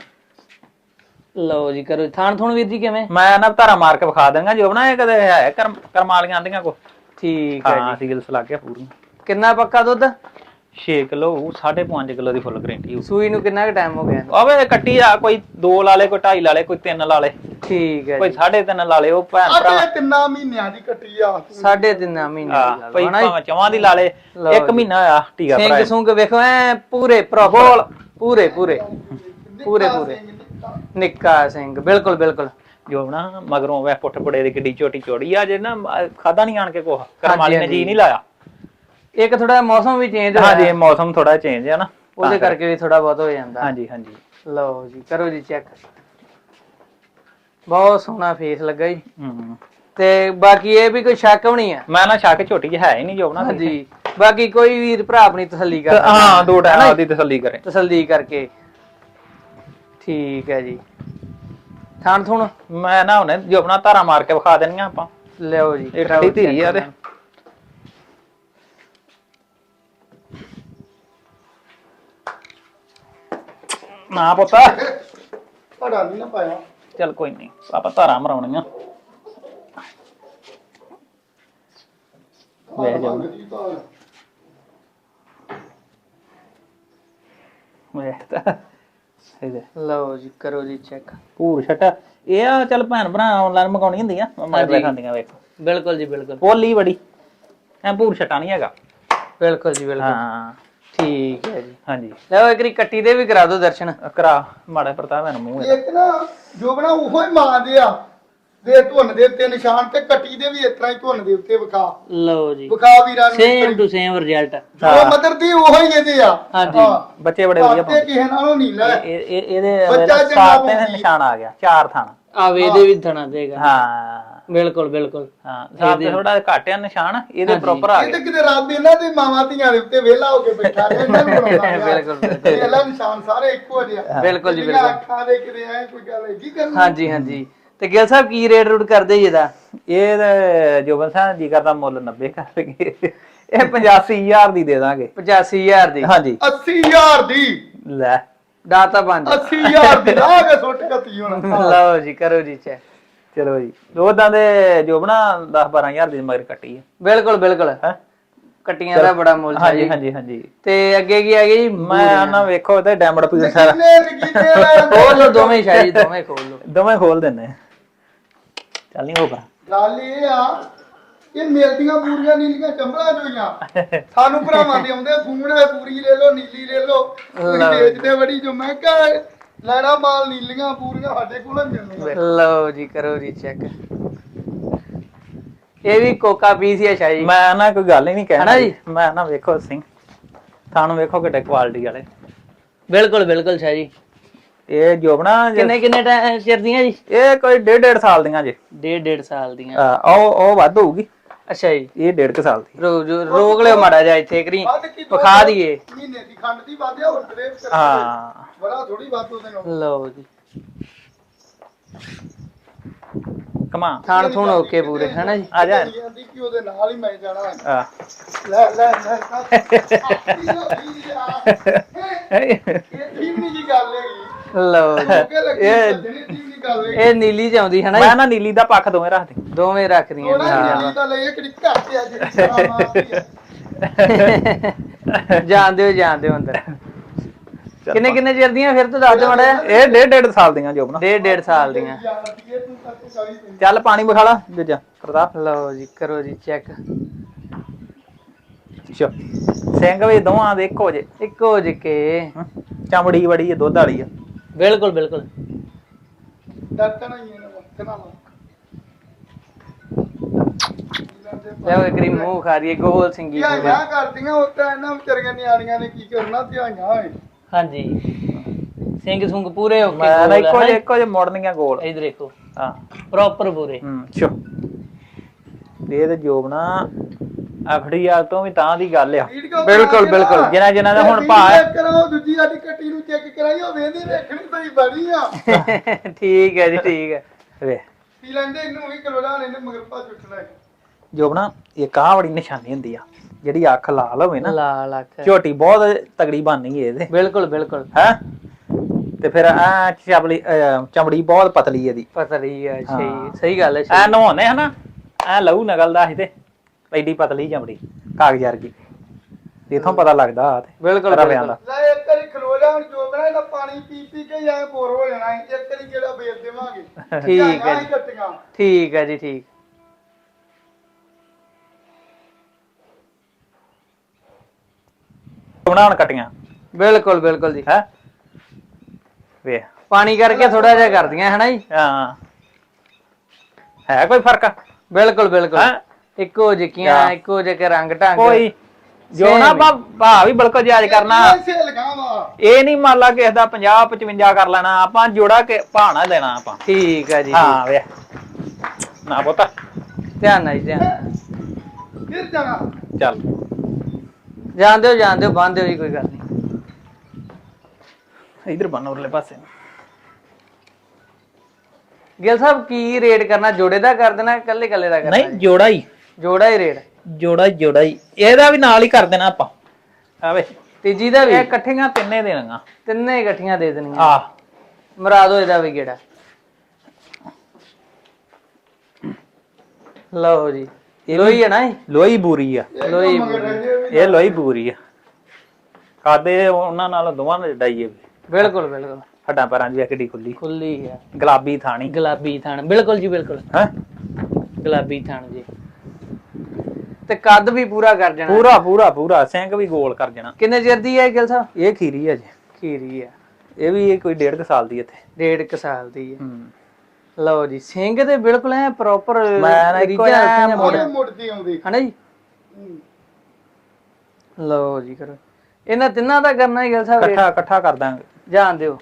Speaker 1: ਲਓ ਜੀ ਕਰੋ ਥਾਣ ਥੁਣ ਵੀਰ ਜੀ ਕਿਵੇਂ?
Speaker 2: ਮੈਂ ਨਾ ਧਾਰਾ ਮਾਰ ਕੇ ਵਿਖਾ ਦਾਂਗਾ ਜੋ ਬਣਾ ਇਹ ਕਦੇ ਹੈ ਕਰਮਾਲੀਆਂ ਆਂਦੀਆਂ ਕੋ।
Speaker 1: ਠੀਕ ਹੈ
Speaker 2: ਹਾਂ
Speaker 1: ਜੀ।
Speaker 2: ਸੀਗਲਸ ਲੱਗ ਗਿਆ ਪੂਰੀ।
Speaker 1: ਕਿੰਨਾ ਪੱਕਾ ਦੁੱਧ?
Speaker 2: 6 ਕਿਲੋ 5.5 ਕਿਲੋ ਦੀ ਫੁੱਲ ਗਰੰਟੀ ਹੋ।
Speaker 1: ਸੂਈ ਨੂੰ ਕਿੰਨਾ ਕੁ ਟਾਈਮ ਹੋ ਗਿਆ?
Speaker 2: ਆਵੇ ਕੱਟੀ ਆ ਕੋਈ 2 ਲਾ ਲੇ ਕੋਈ 2.5 ਲਾ ਲੇ ਕੋਈ 3 ਲਾ ਲੇ
Speaker 1: ਠੀਕ ਹੈ
Speaker 2: ਕੋਈ
Speaker 1: ਜੀ।
Speaker 2: 3.5 ਲਾ ਲੇ ਉਹ ਭੈਣ ਭਰਾ।
Speaker 3: ਆਹ 3 ਮਹੀਨਿਆਂ ਦੀ ਕੱਟੀ ਆ।
Speaker 1: 3.5 ਮਹੀਨੇ ਦੀ ਗੱਲ
Speaker 2: ਭਾਈ
Speaker 1: ਹੋਣਾ ਜੀ।
Speaker 2: ਭਾਵੇਂ ਚਵਾਂ ਦੀ ਲਾ ਲੇ
Speaker 1: ਲਓ
Speaker 2: 1 ਮਹੀਨਾ ਆ ਟੀਕਾ
Speaker 1: ਸਿੰਘ
Speaker 2: ਭਰਾਇਆ।
Speaker 1: ਸੁੰਗ ਵੇਖੋ ਐ ਪੂਰੇ ਪ੍ਰੋਪਰ ਪੂਰੇ ਪੂਰੇ ਪੂਰੇ ਪੂਰੇ ਨਿੱਕਾ ਸਿੰਘ ਬਿਲਕੁਲ ਬਿਲਕੁਲ।
Speaker 2: ਜੋ ਨਾ ਮਗਰੋਂ ਵੇ ਪੁੱਠ ਪੁੜੇ ਦੀ ਕਿੱਡੀ ਛੋਟੀ ਚੋੜੀ ਆ ਜੇ ਨਾ ਖਾਦਾ ਨਹੀਂ ਆਣ ਕੇ ਕੋਹ ਕਰਮਾਲੀ ਨੇ ਜੀ ਨਹੀਂ ਲਾਇਆ।
Speaker 1: ਇੱਕ ਥੋੜਾ ਮੌਸਮ ਵੀ ਚੇਂਜ ਹੋਇਆ।
Speaker 2: ਹਾਂਜੀ ਮੌਸਮ ਥੋੜਾ ਚੇਂਜ ਆ ਨਾ
Speaker 1: ਉਹਦੇ ਕਰਕੇ ਵੀ ਥੋੜਾ ਬਹੁਤ ਹੋ ਜਾਂਦਾ।
Speaker 2: ਹਾਂਜੀ ਹਾਂਜੀ।
Speaker 1: ਲਓ ਜੀ ਕਰੋ ਜੀ ਚੈੱਕ। ਬਹੁਤ ਸੋਹਣਾ ਫੇਸ ਲੱਗਾ ਜੀ। ਤੇ ਬਾਕੀ ਇਹ ਵੀ ਕੋਈ ਸ਼ੱਕ ਵੀ ਨਹੀਂ ਆ।
Speaker 2: ਮੈਂ ਨਾ ਸ਼ੱਕ ਝੋਟੀ ਚ ਹੈ ਹੀ ਨਹੀਂ ਜੋ ਨਾ।
Speaker 1: ਹਾਂਜੀ ਬਾਕੀ ਕੋਈ ਵੀਰ ਭਰਾ ਆਪਣੀ ਤਸੱਲੀ ਕਰ
Speaker 2: ਹਾਂ 2 ਟਾਈਮ ਆਪਦੀ ਤਸੱਲੀ ਕਰੇ।
Speaker 1: ਤਸੱਲੀ ਕਰਕੇ। ਠੀਕ ਹੈ ਜੀ। ਥਾਣ ਥੁਣ
Speaker 2: ਮੈਂ ਨਾ ਹੁਣੇ ਜੋ ਆਪਣਾ ਧਾਰਾ ਮਾਰ ਕੇ ਵਿਖਾ ਦੇਣੀਆਂ ਆਪਾਂ।
Speaker 1: ਲਿਓ ਜੀ।
Speaker 2: ਇਹ ਠੰਡੀ ਧੀਰੀ ਆ ਤੇ ਨਾ ਪੁੱਤਾ
Speaker 3: ਪੜਾ ਨਹੀਂ ਨਾ ਪਾਇਆ।
Speaker 2: ਚੱਲ ਕੋਈ ਨਹੀਂ ਆਪਾਂ ਧਾਰਾ ਮਰਾਉਣੀਆਂ। ਵੇ ਜਾ ਵੇ ਤਾਂ ਇਹਦੇ
Speaker 1: ਲਓ ਜੀ ਕਰੋ ਜੀ ਚੈੱਕ।
Speaker 2: ਪੂਰ ਛਟਾ ਇਹ ਆ ਚੱਲ ਭੈਣ ਭਰਾ ਆਨਲਾਈਨ ਮੰਗਾਉਣੀ ਹੁੰਦੀਆਂ ਮੈਂ ਖਾਂਦੀਆਂ ਵੇਖੋ।
Speaker 1: ਬਿਲਕੁਲ ਜੀ ਬਿਲਕੁਲ।
Speaker 2: ਪੋਲੀ ਬੜੀ ਐ ਭੂਰ ਛਟਾ ਨਹੀਂ ਹੈਗਾ।
Speaker 1: ਬਿਲਕੁਲ ਜੀ ਬਿਲਕੁਲ।
Speaker 2: ਹਾਂ
Speaker 1: ਠੀਕ ਹੈ ਜੀ।
Speaker 2: ਹਾਂਜੀ
Speaker 1: ਲਓ ਇੱਕ ਵਾਰੀ ਕੱਟੀ ਦੇ ਵੀ ਕਰਾ ਦਿਓ ਦਰਸ਼ਨ।
Speaker 2: ਕਰਾ ਮਾੜਾ ਪ੍ਰਤਾਪ ਨੂੰ ਮੂੰਹ
Speaker 3: ਇੱਕ ਨਾ ਜੋ ਬਣਾ ਉਹੋ ਹੀ ਮਾਂ ਦੇ ਆ ਦੇ ਧੁੰਨ ਦੇ ਉੱਤੇ ਨਿਸ਼ਾਨ ਤੇ ਕੱਟੀ ਦੇ ਵੀ ਇਸ ਤਰ੍ਹਾਂ ਹੀ ਧੁੰਨ ਦੇ ਉੱਤੇ ਵਿਖਾ
Speaker 1: ਲਓ ਜੀ
Speaker 3: ਵੀਰਾਂ ਨੂੰ
Speaker 1: ਸੇਮ ਟੂ ਸੇਮ ਰਿਜ਼ਲਟ।
Speaker 3: ਜੋ ਮਦਰ ਦੀ ਉਹੋ ਹੀ ਇਹਦੇ ਆ।
Speaker 1: ਹਾਂਜੀ
Speaker 2: ਬੱਚੇ ਬੜੇ ਵਧੀਆ
Speaker 3: ਤੇ ਕਿਸੇ ਨਾਲੋਂ ਨਹੀਂ ਲੈ
Speaker 2: ਇਹਦੇ
Speaker 3: ਬੱਚਾ ਚੰਗਾ
Speaker 2: ਸਾਤ ਤੇ
Speaker 3: ਪਾਉਂਦੀ।
Speaker 2: ਨਿਸ਼ਾਨ ਆ ਗਿਆ 4 ਥਾਂ।
Speaker 1: ਆਵੇ ਇਹਦੇ ਵੀ ਥਣਾ ਦੇਗਾ।
Speaker 2: ਹਾਂ
Speaker 1: ਬਿਲਕੁਲ ਬਿਲਕੁਲ।
Speaker 2: ਹਾਂ ਸਾਤ ਤੇ ਥੋੜਾ ਘੱਟ ਆ ਨਿਸ਼ਾਨ, ਇਹਦੇ ਪ੍ਰੋਪਰ ਆ
Speaker 3: ਇਹ
Speaker 2: ਗਿਆ।
Speaker 3: ਤੇ ਕਿਤੇ ਰੱਬ ਇਹਨਾਂ ਦੇ ਮਾਵਾਂ ਧੀਆਂ ਦੇ ਉੱਤੇ ਵਿਹਲਾ ਹੋ ਕੇ ਬੈਠਾ ਰਿਹਾ ਇਹਨਾਂ ਨੂੰ ਬਣਾਉਂਦਾ
Speaker 1: ਬਿਲਕੁਲ, ਬਿਲਕੁਲ।
Speaker 3: ਇਹਲਾ ਨਿਸ਼ਾਨ ਸਾਰੇ ਇੱਕੋ ਜਿਹੇ ਆ।
Speaker 1: ਬਿਲਕੁਲ ਜੀ,
Speaker 3: ਜਿਹੜੀਆਂ
Speaker 1: ਬਿਲਕੁਲ।
Speaker 3: ਅੱਖਾਂ ਦੇ ਕਿਤੇ ਐ ਕੋਈ ਗੱਲ ਹੈਗੀ ਕਰਨੀ।
Speaker 1: ਹਾਂਜੀ ਹਾਂਜੀ। ਤੇ ਗਿਲ ਸਾਹਿਬ ਕੀ ਰੇਟ ਰੂਟ ਕਰਦੇ ਜੀ ਇਹਦਾ?
Speaker 2: ਇਹ ਤੇ ਜੋਬਨ ਸਾਹਿਬ ਜੀ ਕਰਦਾ ਮੁੱਲ 90 ਕਰ ਲਈਏ, ਇਹ 85000 ਦੀ ਦੇ ਦਾਂਗੇ।
Speaker 1: 85000 ਦੀ?
Speaker 2: ਹਾਂਜੀ
Speaker 3: 80000 ਦੀ
Speaker 2: ਲੈ
Speaker 1: ਦਾਤਾ 5
Speaker 3: 80000 ਦੀ ਲਾ ਕੇ ਸੁੱਟ ਕੱਤੀ ਹੁਣ।
Speaker 1: ਲਓ ਜੀ ਕਰੋ ਜੀ ਚੈੱਕ।
Speaker 2: ਚਲੋ ਜੀ ਉਦਾਂ ਦੇ ਜੋਬਨਾ 10-12000 ਦੀ ਮਗਰ ਕੱਟੀ ਹੈ।
Speaker 1: ਬਿਲਕੁਲ ਬਿਲਕੁਲ।
Speaker 2: ਹੈ
Speaker 1: ਕੱਟੀਆਂ ਦਾ ਬੜਾ ਮੁੱਲ ਹੈ
Speaker 2: ਹਾਂਜੀ
Speaker 1: ਜੀ।
Speaker 2: ਹਾਂਜੀ ਹਾਂਜੀ।
Speaker 1: ਤੇ ਅੱਗੇ ਕੀ ਆ ਗਿਆ ਜੀ?
Speaker 2: ਮੈਂ ਨਾ ਵੇਖੋ ਤੇ ਡੈਮਡ ਪੀਸ ਸਾਰਾ
Speaker 1: ਖੋਲ ਲਓ ਦੋਵੇਂ ਸ਼ਾਇਦ, ਦੋਵੇਂ ਖੋਲ ਲਓ।
Speaker 2: ਦੋਵੇਂ ਖੋਲ ਦਿੰਨੇ ਚੱਲ ਨਹੀਂ ਹੋਗਾ।
Speaker 3: ਗੱਲ ਇਹ ਆ ਇਹ ਮਿਲਦੀਆਂ ਪੂਰੀਆਂ ਨੀਲੀਆਂ ਚੰਬਲਾਂ ਜੋਈਆਂ ਸਾਨੂੰ ਭਰਾਵਾਂ ਦੇ ਆਉਂਦੇ ਫੋਨ ਹੈ ਪੂਰੀ ਲੈ ਲਓ ਨੀਲੀ ਲੈ ਲਓ ਤੁਸੀਂ ਵੇਚਦੇ ਬੜੀ ਜੋ ਮੈਂ ਕਿਹਾ ਲੈਣਾ ਮਾਲ ਨੀਲੀਆਂ ਪੂਰੀਆਂ ਸਾਡੇ ਕੋਲ ਮਿਲਣੀਆਂ।
Speaker 1: ਲਓ ਜੀ ਕਰੋ ਜੀ ਚੈੱਕ। ਇਹ ਵੀ ਕੋਕਾ ਪੀਸ ਹੀ ਆ ਸ਼ਾਇਦ।
Speaker 2: ਮੈਂ ਨਾ ਕੋਈ ਗੱਲ ਹੀ ਨਹੀਂ ਕਹਿਣਾ
Speaker 1: ਹਨਾ ਜੀ?
Speaker 2: ਮੈਂ ਨਾ ਵੇਖੋ ਸਿੰਘ ਤੁਹਾਨੂੰ ਵੇਖੋ ਕਿੱਡੇ ਕੁਆਲਿਟੀ ਵਾਲੇ।
Speaker 1: ਬਿਲਕੁਲ ਬਿਲਕੁਲ ਸ਼ਾਇਦ ਜੀ।
Speaker 2: ਇਹ ਜੋਬਨਾ
Speaker 1: ਕਿੰਨੇ ਕਿੰਨੇ ਚਿਰ ਦੀਆਂ ਜੀ?
Speaker 2: ਇਹ ਕੋਈ 1.5 ਸਾਲ ਦੀਆਂ ਜੇ।
Speaker 1: 1.5 ਸਾਲ ਦੀਆਂ।
Speaker 2: ਉਹ ਵੱਧ ਹੋਊਗੀ।
Speaker 1: ਅੱਛਾ ਜੀ।
Speaker 2: ਇਹ 1.5 ਸਾਲ ਦੀ।
Speaker 1: ਰੋਕ ਲਿਓ ਮਾੜਾ ਜਿਹਾ ਇੱਥੇ ਕਰੀ ਵਿਖਾ ਦਈਏ।
Speaker 3: ਮਹੀਨੇ ਦੀ ਖੰਡ ਦੀ ਵਾਧਿਆ ਹੋਰ ਤੇਰੇ
Speaker 2: ਹਾਂ
Speaker 3: ਬੜਾ ਥੋੜੀ ਬਾਤ ਉਹਦੇ ਨਾਲ।
Speaker 1: ਲਓ ਜੀ
Speaker 2: ਕਮਾ
Speaker 1: ਥਾਣ ਥੂਣ ਓਕੇ ਪੂਰੇ ਹੈਨਾ ਜੀ?
Speaker 2: ਆ ਜਾ।
Speaker 3: ਕਹਿੰਦੀ ਕਿ ਉਹਦੇ ਨਾਲ ਹੀ ਮੈਂ ਜਾਣਾ
Speaker 2: ਆ
Speaker 3: ਲੈ ਲੈ ਲੈ ਇਹ ਠੀਕ ਨਹੀਂ ਜੀ ਗੱਲ ਹੈਗੀ।
Speaker 1: ਲਓ ਜੀ
Speaker 3: ਕਿ ਲੱਗੀ ਸੱਜਣੀ ਠੀਕ ਨਹੀਂ ਗੱਲ ਹੈਗੀ।
Speaker 1: ਇਹ ਨੀਲੀ ਚ ਆਉਂਦੀ ਹੈਨਾ
Speaker 2: ਮੈਂ
Speaker 1: ਜੀ?
Speaker 2: ਨਾ ਨੀਲੀ ਦਾ ਪੱਖ ਦੋਵੇਂ ਰੱਖ ਦੇ।
Speaker 1: ਦੋਵੇਂ ਰੱਖਦੀਆਂ
Speaker 3: ਉਹਨਾਂ
Speaker 1: ਨੇ।
Speaker 3: ਨੀਲੀ ਦਾ ਲਈ ਕਿਹੜੀ ਘੱਟ ਆ ਜਿਹੜੀ ਸਾਰਾ ਮਾਰਦੀ ਆ।
Speaker 1: ਜਾਣਦੇ ਹੋ ਅੰਦਰ। ਕਿੰਨੇ ਕਿੰਨੇ ਚਿਰ ਦੀਆਂ ਫਿਰ ਤੋਂ ਦੱਸ ਦਿਓ ਮਾੜਾ ਜਿਹਾ।
Speaker 2: ਇਹ 1.5 ਸਾਲ ਦੀਆਂ ਜੋਬਨਾ।
Speaker 1: 1.5 ਸਾਲ ਦੀਆਂ।
Speaker 2: ਚੱਲ ਪਾਣੀ ਵਿਖਾ ਲਾ ਦੂਜਾ ਪ੍ਰਤਾਪ।
Speaker 1: ਲਓ ਜੀ ਕਰੋ ਜੀ ਚੈੱਕ।
Speaker 2: ਸਿੰਘ ਵੀ ਦੋਵਾਂ ਦੇ ਇੱਕੋ ਜੇ।
Speaker 1: ਇੱਕੋ ਜਿਕੇ।
Speaker 2: ਚਮੜੀ ਬੜੀ ਹੈ, ਦੁੱਧ ਵਾਲੀ ਆ।
Speaker 1: ਬਿਲਕੁਲ ਬਿਲਕੁਲ।
Speaker 3: ਡਰਨਾ ਹੀ ਇਹਨਾਂ ਵਕਤ ਨਾਲ
Speaker 1: ਲੈ ਇੱਕ ਰੀ ਮੂੰਹ ਖਾ ਰਹੀ ਹੈ ਗੋਲ ਸਿੰਗੀ ਪੂਰੀ।
Speaker 3: ਧਿਆਈਆਂ ਕਰਦੀਆਂ ਉੱਤੇ ਇਹਨਾਂ ਵਿਚਾਰੀਆਂ ਨਿਆਣੀਆਂ ਨੇ ਕੀ ਕਰਨਾ ਧਿਆਈਆਂ ਹੋਏ।
Speaker 1: ਹਾਂਜੀ ਸਿੰਘ ਸੁੰਗ ਪੂਰੇ ਓਕੇ।
Speaker 2: ਮੈਂ ਨਾ ਇੱਕੋ ਜੇ ਮੋੜਨੀਆਂ ਗੋਲ।
Speaker 1: ਇਧਰ ਦੇਖੋ
Speaker 2: ਹਾਂ
Speaker 1: ਪ੍ਰੋਪਰ ਪੂਰੇ।
Speaker 2: ਚੋ ਇਹ ਤੇ ਜੋਬਨਾ ਆਖੜੀ ਆ ਤੋਂ ਵੀ ਤਾਂ ਦੀ ਗੱਲ ਆ।
Speaker 1: ਬਿਲਕੁਲ ਬਿਲਕੁਲ।
Speaker 2: ਜਿਨ੍ਹਾਂ ਦਾ ਹੁਣ ਭਾ
Speaker 3: ਕਰਾਓ ਦੂਜੀ ਸਾਡੀ ਕੱਟੀ ਨੂੰ ਚੈੱਕ ਕਰਾਈ ਉਹ ਵੇਂਦੀ ਵੇਖਣੀ ਤਾਂ ਬੜੀ ਆ।
Speaker 1: ਠੀਕ ਹੈ ਜੀ ਠੀਕ ਹੈ।
Speaker 2: ਵੇ
Speaker 3: ਪੀ ਲੈਂਦੇ ਇਹਨੂੰ ਵੀ ਕਰੋ ਜਾਣ ਇਹਨੇ ਮਗਰ ਪਾ ਚੁੱਟਣਾ।
Speaker 2: ਜੋਬਨਾ ਇੱਕ ਆਹ ਬੜੀ ਨਿਸ਼ਾਨੀ ਹੁੰਦੀ ਆ ਜਿਹੜੀ ਅੱਖ ਲਾਲ ਹੋਵੇ ਨਾ,
Speaker 1: ਲਾਲ ਅੱਖ।
Speaker 2: ਝੋਟੀ ਬਹੁਤ ਤਗੜੀ ਬਣਨੀ ਇਹਦੇ।
Speaker 1: ਬਿਲਕੁਲ ਬਿਲਕੁਲ।
Speaker 2: ਹੈ ਤੇ ਫਿਰ ਆ ਚਮੜੀ ਬਹੁਤ ਪਤਲੀ ਇਹਦੀ।
Speaker 1: ਪਤਲੀ ਹੈ ਸਹੀ ਗੱਲ ਹੈ।
Speaker 2: ਐ ਨਹਾਉਣੇ ਹਨਾ ਐ ਲਹੂ ਨਿਕਲਦਾ ਸੀ ਤੇ ਐਡੀ ਪਤਲੀ ਚਮੜੀ ਕਾਗਜ਼ ਵਰਗੀ। ਇਥੋਂ ਪਤਾ ਲੱਗਦਾ ਆ ਤੇ
Speaker 1: ਬਿਲਕੁਲ
Speaker 2: ਰਵਿਆਂ ਦਾ।
Speaker 3: ਲੈ ਇੱਕ ਵਾਰੀ ਖਲੋ ਜਾ ਹੁਣ ਜੋ ਬਣਾ ਇਹਦਾ ਪਾਣੀ ਪੀ ਪੀ ਕੇ ਜਾਂ ਬੋਰ ਹੋ ਜਾਣਾ। ਇੱਕ ਵਾਰੀ ਜਿਹੜਾ ਵੇਚ ਦੇਵਾਂਗੇ।
Speaker 1: ਠੀਕ ਹੈ ਜੀ।
Speaker 3: ਕੱਟੀਆਂ
Speaker 1: ਠੀਕ ਹੈ ਜੀ ਠੀਕ।
Speaker 2: ਬਣਾਉਣ ਕਟੀਆਂ।
Speaker 1: ਬਿਲਕੁਲ ਬਿਲਕੁਲ ਜੀ।
Speaker 2: ਹੈ ਵੇ
Speaker 1: ਪਾਣੀ ਕਰਕੇ ਥੋੜਾ ਜਿਹਾ ਕਰਦੀਆਂ ਹੈਨਾ ਜੀ?
Speaker 2: ਹਾਂ ਹੈ ਕੋਈ ਫਰਕ?
Speaker 1: ਬਿਲਕੁਲ ਬਿਲਕੁਲ।
Speaker 2: ਹੈਂ?
Speaker 1: ਇੱਕੋ ਜਿਹੀਆਂ ਇੱਕੋ ਜਿਹੇ ਰੰਗ ਢੰਗ।
Speaker 2: ਕੋਈ ਜੋ ਨਾ ਭਾ ਵੀ ਬਿਲਕੁਲ ਜਾਇਜ਼ ਕਰਨਾ। ਇਹ ਨਹੀਂ ਮੰਨ ਲਾ ਕਿਸੇ ਦਾ 50-55 ਕਰ ਲੈਣਾ ਆਪਾਂ, ਜੋੜਾ ਕੇ ਭਾਣਾ ਦੇਣਾ ਆਪਾਂ।
Speaker 1: ਠੀਕ ਹੈ ਜੀ।
Speaker 2: ਹਾਂ ਵੇ ਨਾ ਪੁੱਤ
Speaker 1: ਧਿਆਨ ਨਾਲ ਜੀ ਧਿਆਨ।
Speaker 3: ਫਿਰ ਜਾਣਾ
Speaker 2: ਚੱਲ
Speaker 1: ਜਾਣਦੇ ਹੋ ਬੰਦ ਦਿਓ ਜੀ ਕੋਈ ਗੱਲ ਨਹੀਂ।
Speaker 2: ਇਧਰ ਬੰਨ ਉਰਲੇ ਪਾਸੇ।
Speaker 1: ਗਿਲ ਸਾਹਿਬ ਕੀ ਰੇਟ ਕਰਨਾ? ਜੋੜੇ ਦਾ ਕਰ ਦੇਣਾ ਕੱਲੇ ਕੱਲੇ ਦਾ ਕਰਨਾ?
Speaker 2: ਨਹੀਂ ਜੋੜਾ ਹੀ।
Speaker 1: ਜੋੜਾ ਹੀ ਰੇਟ।
Speaker 2: ਜੋੜਾ ਹੀ ਇਹਦਾ ਵੀ ਨਾਲ ਹੀ ਕਰ ਦੇਣਾ ਆਪਾਂ। ਆਵੇ
Speaker 1: ਤੀਜੀ ਦਾ ਵੀ?
Speaker 2: ਇਹ ਇਕੱਠੀਆਂ ਤਿੰਨੇ ਦੇਣੀਆਂ।
Speaker 1: ਤਿੰਨੇ ਇਕੱਠੀਆਂ ਦੇ ਦੇਣੀਆਂ।
Speaker 2: ਆ
Speaker 1: ਮਰਾ ਦੋ ਇਹਦਾ ਵੀ ਗੇੜਾ। ਲਓ ਜੀ ਲੋਈ ਹੈ ਨਾ?
Speaker 2: ਲੋਈ ਬੂਰੀ ਆ।
Speaker 1: ਲੋਈ
Speaker 2: ਇਹ ਲੋਈ ਬੂਰੀ ਆ। ਕਾਦੇ ਉਹਨਾਂ ਨਾਲ ਦੋਵਾਂ ਨਾਲ ਡਾਈਏ।
Speaker 1: ਬਿਲਕੁਲ ਬਿਲਕੁਲ।
Speaker 2: ਹੱਡਾਂ ਪੈਰਾਂ ਦੀ ਕਿੱਡੀ ਖੁੱਲੀ
Speaker 1: ਖੁੱਲੀ ਹੈ।
Speaker 2: ਗੁਲਾਬੀ ਥਾਣੀ।
Speaker 1: ਗੁਲਾਬੀ ਥਾਣ। ਬਿਲਕੁਲ ਜੀ ਬਿਲਕੁਲ।
Speaker 2: ਹੈ
Speaker 1: ਗੁਲਾਬੀ ਥਾਣ ਜੀ। ਤੇ ਕੱਦ ਵੀ ਪੂਰਾ ਕਰ ਜਾਣਾ।
Speaker 2: ਪੂਰਾ ਪੂਰਾ ਪੂਰਾ ਸਿੰਘ ਵੀ ਗੋਲ ਕਰ ਜਾਣਾ।
Speaker 1: ਕਿੰਨੇ ਚਿਰ ਦੀ ਹੈ ਗਿਲ ਸਾਹਿਬ?
Speaker 2: ਇਹ ਖੀਰੀ ਹੈ ਜੀ।
Speaker 1: ਖੀਰੀ ਆ।
Speaker 2: ਇਹ ਵੀ ਕੋਈ 1.5 ਸਾਲ ਦੀ ਇੱਥੇ।
Speaker 1: 1.5 ਸਾਲ ਦੀ ਹੈ। ਲਓ ਜੀ ਸਿੰਘ ਤੇ ਬਿਲਕੁਲ ਐ ਪ੍ਰੋਪਰ
Speaker 2: ਮੈਂ ਇੱਕੋ
Speaker 3: ਮੁੜਦੀ ਆਉਂਦੀ
Speaker 1: ਹਨਾ ਜੀ। ਲਓ ਜੀ ਕਰੋ ਇਹਨਾਂ ਤਿੰਨਾਂ ਦਾ ਕਰਨਾ ਹੀ ਗਿਲ ਸਾਹਿਬ।
Speaker 2: ਇਕੱਠਾ ਕਰ ਦਾਂਗੇ।
Speaker 1: ਜਾਣ ਦਿਓ।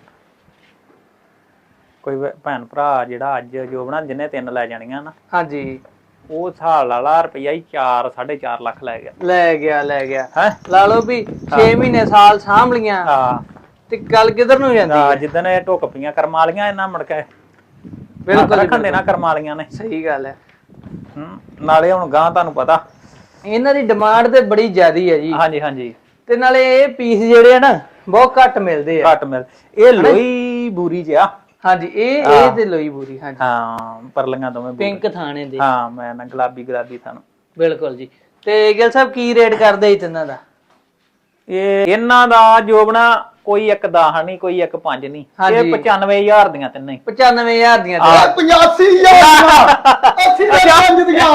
Speaker 2: ਕੋਈ ਭੈਣ ਭਰਾ ਜਿਹੜਾ ਅੱਜ ਜੋ ਬਣਾ ਜਿੰਨੇ 3 ਲੈ ਜਾਣੀਆਂ ਨਾ,
Speaker 1: ਹਾਂਜੀ
Speaker 2: ਉਹ ਹਿਸਾਬ ਲਾ ਰੁਪਈਆ ਹੀ 4.5 ਲੱਖ ਲੈ ਗਿਆ।
Speaker 1: ਲੈ ਗਿਆ
Speaker 2: ਹੈ
Speaker 1: ਲਾ ਲਓ ਵੀ 6 ਮਹੀਨੇ ਸਾਲ ਸਾਂਭ ਲੀਆਂ
Speaker 2: ਹਾਂ
Speaker 1: ਤੇ ਗੱਲ ਕਿੱਧਰ ਨੂੰ ਜਾਂਦੀ ਹੈ?
Speaker 2: ਜਿੱਦਣ ਇਹ ਢੁੱਕ ਪਈਆਂ ਕਰਮਾਂ ਵਾਲੀਆਂ ਇਹਨਾਂ ਮੁੜ ਕੇ
Speaker 1: ਬਿਲਕੁਲ
Speaker 2: ਰੱਖਣ ਦੇਣਾ ਕਰਮਾਂ ਵਾਲੀਆਂ ਨੇ।
Speaker 1: ਸਹੀ ਗੱਲ ਹੈ।
Speaker 2: ਨਾਲੇ ਹੁਣ ਗਾਂ ਤੁਹਾਨੂੰ ਪਤਾ
Speaker 1: ਇਹਨਾਂ ਦੀ ਡਿਮਾਂਡ ਤੇ ਬੜੀ ਜ਼ਿਆਦੀ ਹੈ ਜੀ।
Speaker 2: ਹਾਂਜੀ ਹਾਂਜੀ।
Speaker 1: ਤੇ ਨਾਲੇ ਇਹ ਪੀਸ ਜਿਹੜੇ ਆ ਨਾ ਬਹੁਤ ਘੱਟ ਮਿਲਦੇ ਆ।
Speaker 2: ਘੱਟ ਮਿਲ ਇਹ ਲੋਈ ਬੂਰੀ ਜਿਆ।
Speaker 1: ਹਾਂਜੀ ਇਹ ਤੇ ਲੋਈ ਬੂਰੀ। ਹਾਂਜੀ
Speaker 2: ਹਾਂ ਪਰਲੀਆਂ ਦੋਵੇਂ
Speaker 1: ਪਿੰਕ ਥਾਣੇ ਦੇ।
Speaker 2: ਹਾਂ ਮੈਂ ਨਾ ਗੁਲਾਬੀ ਤੁਹਾਨੂੰ।
Speaker 1: ਬਿਲਕੁਲ ਜੀ। ਤੇ ਗਿਲ ਸਾਹਿਬ ਕੀ ਰੇਟ ਕਰਦੇ ਤਿੰਨਾਂ ਦਾ?
Speaker 2: ਇਹ ਇਹਨਾਂ ਦਾ ਜੋਬਣਾ ਕੋਈ 1.10 ਨਹੀਂ, ਕੋਈ 1.5 ਨਹੀਂ। ਇਹ 95,000 ਦੀਆਂ ਤਿੰਨੇ।
Speaker 1: 95,000 ਦੀਆਂ
Speaker 3: 85,000 80 5 ਦੀਆਂ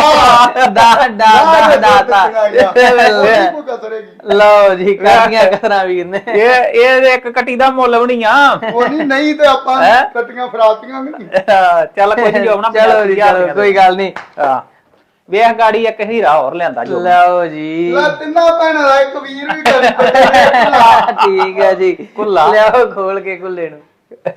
Speaker 1: ਲਓ ਜੀ ਕਾਦੀਆਂ ਕਰਾਂ ਵੀਰ ਨੇ।
Speaker 2: ਇਹ ਇੱਕ ਕੱਟੀ ਦਾ ਮੁੱਲ ਵੀ ਨਹੀਂ ਆ।
Speaker 3: ਉਹ ਨਹੀਂ ਤੇ ਆਪਾਂ ਕੱਟੀਆਂ ਫਰਾਤੀਆਂ ਨਹੀਂ।
Speaker 2: ਚੱਲ ਕੋਈ ਨਹੀਂ ਜੋਬਣਾ।
Speaker 1: ਚਲੋ ਜੀ ਚਲੋ ਕੋਈ ਗੱਲ ਨਹੀਂ।
Speaker 2: ਹਾਂ ਵੇਖ ਗਾੜੀ ਇੱਕ ਹੀਰਾ ਹੋਰ ਲਿਆਂਦਾ ਜੋ।
Speaker 1: ਲਓ ਜੀ
Speaker 3: ਤਿੰਨਾਂ ਭੈਣਾਂ ਦਾ ਇੱਕ ਵੀਰ ਵੀ ਕਰੀ
Speaker 1: ਠੀਕ ਹੈ ਜੀ।
Speaker 2: ਕੁੱਲਾ
Speaker 1: ਲਿਆਓ ਖੋਲ ਕੇ ਕੁੱਲੇ ਨੂੰ।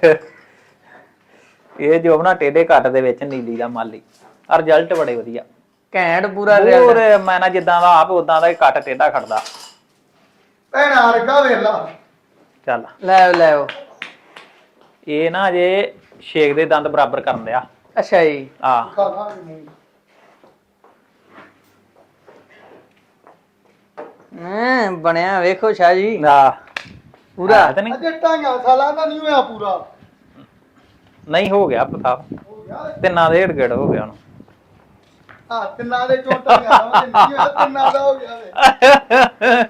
Speaker 2: ਇਹ ਜੋਬਣਾ ਟੇਡੇ ਕੱਟ ਦੇ ਵਿੱਚ ਨੀਲੀ ਦਾ ਮਾਲੀ। ਰਿਜ਼ਲਟ ਬੜੇ ਵਧੀਆ
Speaker 1: ਘੈਂਟ ਪੂਰਾ
Speaker 2: ਹੋਰ ਮੈਂ ਨਾ ਜਿੱਦਾਂ ਦਾ ਆਪ ਉਦਾਂ ਦਾ ਹੀ ਕੱਟ ਟੇਡਾ ਖੜਦਾ।
Speaker 3: ਭੈਣਾਂ ਵਰਗਾ ਵੇਲਾ।
Speaker 2: ਚੱਲ
Speaker 1: ਲੈ
Speaker 2: ਇਹ ਨਾ ਜੇ ਛੇਕ ਦੇ ਦੰਦ ਬਰਾਬਰ ਕਰਨ ਦਿਆ।
Speaker 1: ਅੱਛਾ ਜੀ।
Speaker 2: ਆ
Speaker 1: ਬਣਿਆ ਵੇਖੋ ਸ਼ਾਹ ਜੀ ਪੂਰਾ।
Speaker 2: ਨਹੀਂ
Speaker 3: ਅਜੇ 2 ਸਾਲਾਂ ਦਾ ਨਹੀਂ ਹੋਇਆ ਪੂਰਾ।
Speaker 2: ਨਹੀਂ ਹੋ ਗਿਆ ਪਤਾ। ਤਿੰਨਾਂ ਦੇ ਢੇੜ ਹੋ ਗਿਆ ਹੁਣ।
Speaker 3: ਹਾਂ ਤਿੰਨਾਂ ਦੇ ਚੋਟਾਂ ਤਿੰਨਾਂ ਦਾ ਹੋ ਗਿਆ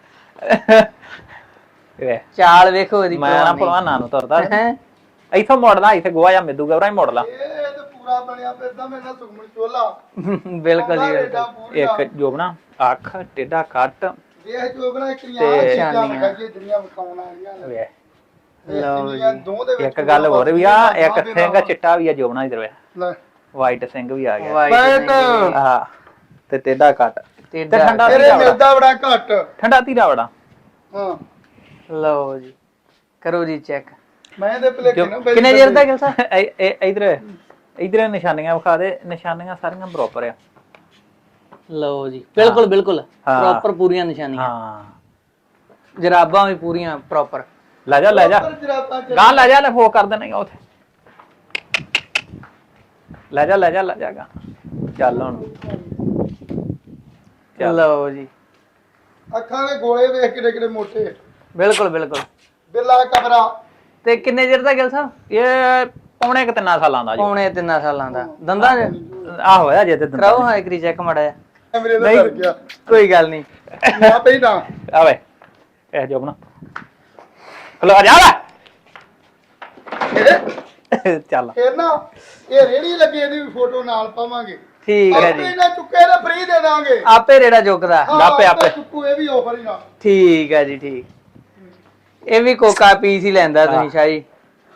Speaker 2: ਵੇ
Speaker 1: ਚਾਲ ਵੇਖੋ ਇਹਦੀ।
Speaker 2: ਮੈਂ ਨਾ ਭਲਵਾਨਾਂ ਨੂੰ ਤੁਰਦਾ ਇੱਥੋਂ ਮੁੜਦਾ ਇੱਥੇ ਗੋਆ ਜਾਂ ਮਿੱਦੂ ਗਵਰਾ ਹੀ ਮੁੜ ਲਾ।
Speaker 3: ਇਹ ਤੇ ਪੂਰਾ ਬਣਿਆ ਫਿਰਦਾ ਮੇਰੇ ਨਾਲ ਸੁਖਮਨ ਚੋਲਾ।
Speaker 1: ਬਿਲਕੁਲ ਜੀ।
Speaker 2: ਇੱਕ ਜੋਬਣਾ ਅੱਖ ਟੇਡਾ ਕੱਟ
Speaker 3: ਵੇਖ ਜੋਬਣਾ ਇਕਰੀਆਂ ਚੀਜ਼ਾਂ ਵਿਖਾਈਏ ਜਿਹੜੀਆਂ ਵਿਖਾਉਣ ਵਾਲੀਆਂ ਨੇ।
Speaker 2: ਵੇ
Speaker 3: ਲਓ ਜੀ
Speaker 2: ਇੱਕ ਗੱਲ ਹੋਰ ਵੀ ਆ। ਇੱਕ ਸਿੰਘ ਚਿੱਟਾ ਵੀ ਆ ਜੋਬਣਾ ਇਧਰ ਵੇ
Speaker 3: ਲੈ
Speaker 2: ਵਾਈਟ ਸਿੰਘ ਵੀ ਆ ਗਿਆ।
Speaker 1: ਵਾਈਟ
Speaker 2: ਹਾਂ ਤੇ ਟੇਡਾ ਕੱਟ ਤੇ ਠੰਡਾ
Speaker 3: ਤੇਰੇ ਮਿਲਦਾ ਬੜਾ ਘੱਟ।
Speaker 2: ਠੰਡਾ ਧੀਰਾ ਬੜਾ।
Speaker 3: ਹਾਂ
Speaker 1: ਲਓ ਜੀ ਕਰੋ ਜੀ ਚੈੱਕ।
Speaker 3: ਮੈਂ ਤੇ ਭਲੇਖੇ ਨਾ
Speaker 1: ਕਿੰਨੇ ਚਿਰ ਦਾ ਗਿਲ ਸਾਹਿਬ?
Speaker 2: ਇਧਰ ਨਿਸ਼ਾਨੀਆਂ ਵਿਖਾ ਦੇ। ਨਿਸ਼ਾਨੀਆਂ ਸਾਰੀਆਂ ਬਰਾਬਰ ਆ।
Speaker 1: ਲਓ ਜੀ ਬਿਲਕੁਲ ਪ੍ਰੋਪਰ ਪੂਰੀਆਂ ਨਿਸ਼ਾਨੀਆਂ।
Speaker 2: ਹਾਂ
Speaker 1: ਜਰਾਬਾਂ ਵੀ ਪੂਰੀਆਂ ਪ੍ਰੋਪਰ।
Speaker 2: ਲੈ ਜਾ ਗਾਂ ਲੈ ਜਾ। ਲੈ ਫੋ ਕਰ ਦੇਣਾ ਉਥੇ। ਲੈ ਜਾ ਗਾ। ਚੱਲ ਹੁਣ
Speaker 1: ਲਓ ਜੀ
Speaker 3: ਅੱਖਾਂ ਦੇ ਗੋਲੇ ਵੇਖ ਕਿਹੜੇ ਮੋਟੇ।
Speaker 1: ਬਿਲਕੁਲ
Speaker 3: ਬਿੱਲਾ ਕਬਰਾ।
Speaker 1: ਤੇ ਕਿੰਨੇ ਚਿਰ ਦਾ ਗਿਲ ਸਾਹਿਬ?
Speaker 2: ਇਹ ਪੌਣੇ 3 ਸਾਲਾਂ ਦਾ ਜੀ।
Speaker 1: ਪੌਣੇ 3 ਸਾਲਾਂ ਦਾ ਦੰਦਾਂ ਚ
Speaker 2: ਆ ਹੋਇਆ ਜੇ ਤੇ ਦੰਦਾਂ
Speaker 1: ਕਰਾਓ ਹਾਂ ਇਕਰੀ ਚੈੱਕ ਮੜਾ
Speaker 3: ਮੇਰੇ ਨਾਲ ਕਰ ਗਿਆ।
Speaker 1: ਕੋਈ ਗੱਲ ਨਹੀਂ।
Speaker 3: ਨਾ ਪਈ ਨਾ
Speaker 2: ਆਵੇ ਇਹ ਜੋ ਬਣਾ ਖਲੋ ਜਾ ਲੈ ਚੱਲ।
Speaker 3: ਇਹ ਨਾ ਇਹ ਰੇੜੀ ਲੱਗੀ ਇਹਦੀ ਵੀ ਫੋਟੋ ਨਾਲ ਪਾਵਾਂਗੇ।
Speaker 1: ਠੀਕ ਹੈ
Speaker 3: ਆਪੇ
Speaker 1: ਜੀ।
Speaker 3: ਨਾ ਚੁੱਕੇ ਨਾ ਫ੍ਰੀ ਦੇ ਦਾਂਗੇ।
Speaker 1: ਆਪੇ ਰੇੜਾ ਚੁੱਕਦਾ।
Speaker 2: ਆਪੇ
Speaker 3: ਚੁੱਕੂ ਇਹ ਵੀ ਆਫਰ ਹੀ ਨਾ।
Speaker 1: ਠੀਕ ਹੈ ਜੀ ਠੀਕ। ਇਹ ਵੀ ਕੋਕਾ ਪੀਸ ਹੀ ਲੈਂਦਾ ਤੁਸੀਂ ਸ਼ਾਹੀ।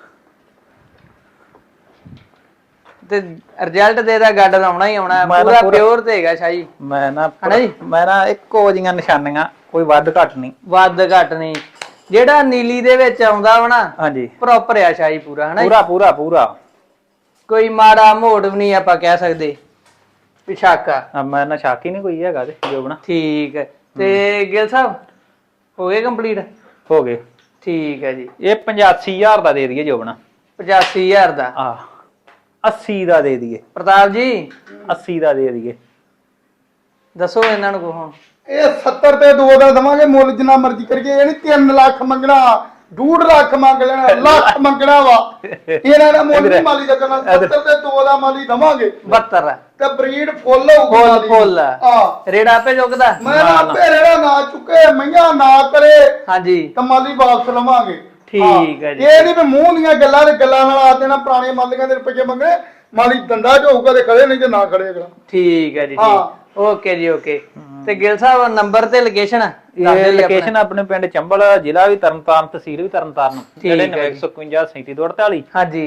Speaker 1: ਤੇ ਰਿਜ਼ਲਟ ਦੇਦਾ ਗੱਡ ਆਉਣਾ ਹੀ ਆਉਣਾ। ਪੂਰਾ ਪਿਓਰ ਤੇ ਹੈਗਾ ਸ਼ਾਹੀ।
Speaker 2: ਮੈਂ ਨਾ ਇੱਕੋ ਜੀਆਂ ਨਿਸ਼ਾਨੀਆਂ ਕੋਈ ਵੱਧ ਘੱਟ ਨਹੀਂ।
Speaker 1: ਵੱਧ ਘੱਟ ਨਹੀਂ। ਜਿਹੜਾ ਨੀਲੀ ਦੇ ਵਿੱਚ ਆਉਂਦਾ ਵਾ ਨਾ
Speaker 2: ਹਾਂਜੀ
Speaker 1: ਪ੍ਰੋਪਰ ਆ ਸ਼ਾਹੀ ਪੂਰਾ ਹਨਾ।
Speaker 2: ਪੂਰਾ
Speaker 1: ਕੋਈ ਮਾੜਾ ਮੋੜ ਵੀ ਨਹੀਂ ਆਪਾਂ ਕਹਿ ਸਕਦੇ ਪਿਛਾਕਾ।
Speaker 2: ਮੈਂ ਨਾ ਸ਼ਾਕੀ ਨਹੀਂ ਕੋਈ ਹੈਗਾ ਤੇ ਜੋ ਬਣਾ।
Speaker 1: ਠੀਕ ਹੈ। ਤੇ ਗਿਲ ਸਾਹਿਬ ਹੋ ਗਏ ਕੰਪਲੀਟ?
Speaker 2: ਹੋ ਗਏ।
Speaker 1: ਠੀਕ ਹੈ ਜੀ।
Speaker 2: ਇਹ 85,000 ਦਾ ਦੇ ਦਈਏ ਜੋ ਬਣਾ।
Speaker 1: 85,000 ਦਾ।
Speaker 2: 80 ਦਾ ਦੇ ਦਈਏ।
Speaker 1: ਪ੍ਰਤਾਪ ਜੀ
Speaker 2: 80 ਦਾ ਦੇ ਦਈਏ।
Speaker 1: ਦੱਸੋ ਇਹਨਾਂ ਨੂੰ ਕੋ।
Speaker 3: ਇਹ 70 ਤੇ 2 ਦਾ ਦਵਾਂਗੇ ਮੁੱਲ ਜਿੰਨਾ ਮਰਜ਼ੀ ਕਰੀਏ। ਇਹ ਨਹੀਂ 3 ਲੱਖ ਮੰਗਣਾ 2.5 ਲੱਖ ਮੰਗ ਲੈਣਾ ਲੱਖ ਮੰਗਣਾ ਵਾ। ਇਹਨਾਂ ਦਾ ਮੁੱਲ ਨਹੀਂ ਮਾਲੀ ਦਾ ਕਰਨਾ। 70 ਤੇ 2 ਦਾ ਮਾਲੀ ਦਵਾਂਗੇ।
Speaker 1: 72
Speaker 3: ਤੇ ਬਰੀਡ ਫੁੱਲ ਹੋਊਗੀ।
Speaker 1: ਫੁੱਲ
Speaker 3: ਹਾਂ
Speaker 1: ਰੇੜਾ ਆਪੇ ਚੁੱਕਦਾ।
Speaker 3: ਮੈਂ ਆਪੇ ਰੇੜਾ ਨਾ ਚੁੱਕੇ ਮਈਆਂ ਨਾ ਕਰੇ
Speaker 1: ਹਾਂਜੀ
Speaker 3: ਤਾਂ ਮਾਲੀ ਵਾਪਸ ਲਵਾਂਗੇ।
Speaker 1: ਠੀਕ ਹੈ ਜੀ।
Speaker 3: ਇਹ ਨਹੀਂ ਵੀ ਮੂੰਹ ਦੀਆਂ ਗੱਲਾਂ ਤੇ ਗੱਲਾਂ ਨਾਲ ਆ ਦੇਣਾ ਪੁਰਾਣੇ ਮਾਲੀਆਂ ਦੇ ਰੁਪਏ ਮੰਗਣੇ। ਮਾਲੀ ਦੰਦਾ ਝੋਊਗਾ ਤੇ ਖੜੇ ਨਹੀਂ ਤੇ ਨਾ ਖੜੇ ਅਗਲਾ।
Speaker 1: ਠੀਕ ਹੈ ਜੀ।
Speaker 3: ਹਾਂ
Speaker 1: ਓਕੇ ਜੀ ਓਕੇ। ਤੇ ਗਿਲ ਸਾਹਿਬ ਨੰਬਰ ਤੇ ਲੋਕੇਸ਼ਨ
Speaker 2: ਇਹ ਲੋਕੇਸ਼ਨ ਆਪਣੇ ਪਿੰਡ ਚੰਬਲ, ਜ਼ਿਲ੍ਹਾ ਵੀ ਤਰਨਤਾਰਨ, ਤਹਿਸੀਲ ਵੀ ਤਰਨਤਾਰਨ। 9915
Speaker 1: ਹਾਂਜੀ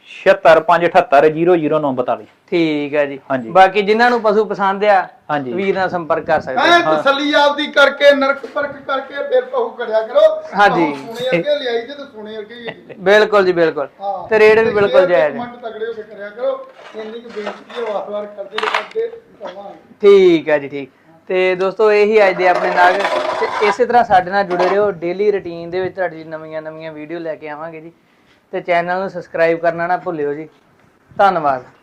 Speaker 2: 7657800942।
Speaker 1: ਠੀਕ ਹੈ ਜੀ।
Speaker 2: ਹਾਂਜੀ।
Speaker 1: ਬਾਕੀ ਜਿਨ੍ਹਾਂ ਨੂੰ ਪਸ਼ੂ ਪਸੰਦ ਆ
Speaker 2: ਹਾਂਜੀ
Speaker 1: ਵੀਰ ਨਾਲ ਸੰਪਰਕ ਕਰ ਸਕਦੇ
Speaker 3: ਐ ਤਸੱਲੀ ਆਪਦੀ ਕਰਕੇ ਨਰਕ ਪਰਖ ਕਰਕੇ ਫਿਰ ਪਹੂ ਕਰਿਆ ਕਰੋ।
Speaker 1: ਹਾਂਜੀ।
Speaker 3: ਸੁਣੇ ਅੱਗੇ ਲਿਆਈ ਤੇ ਸੁਣੇ ਅੱਗੇ ਹੀ ਹੈਗੀ।
Speaker 1: ਬਿਲਕੁਲ ਜੀ ਬਿਲਕੁਲ।
Speaker 3: ਹਾਂ
Speaker 1: ਤੇ ਰੇਟ ਵੀ ਬਿਲਕੁਲ ਜਾਇਜ਼ ਹੈ।
Speaker 3: ਕਮੈਂਟ ਤਗੜੇ ਹੋ ਕੇ ਕਰਿਆ ਕਰੋ। ਇੰਨੀ ਕੁ ਬੇਨਤੀ ਹੈ ਵਾਰ-ਵਾਰ ਕਰਦੇ ਕਵਾਂਗੇ।
Speaker 1: ਠੀਕ ਹੈ ਜੀ ਠੀਕ। ਤੇ ਦੋਸਤੋ ਇਹੀ ਅੱਜ ਦੇ ਆਪਣੇ ਨਾਗ ਤੇ ਇਸੇ ਤਰ੍ਹਾਂ ਸਾਡੇ ਨਾਲ ਜੁੜੇ ਰਹੋ। ਡੇਲੀ ਰੁਟੀਨ ਦੇ ਵਿੱਚ ਤੁਹਾਡੀ ਨਵੀਆਂ ਵੀਡੀਓ ਲੈ ਕੇ ਆਵਾਂਗੇ ਜੀ। ਤੇ ਚੈਨਲ ਨੂੰ ਸਬਸਕ੍ਰਾਈਬ ਕਰਨਾ ਨਾ ਭੁੱਲਿਓ ਜੀ। ਧੰਨਵਾਦ।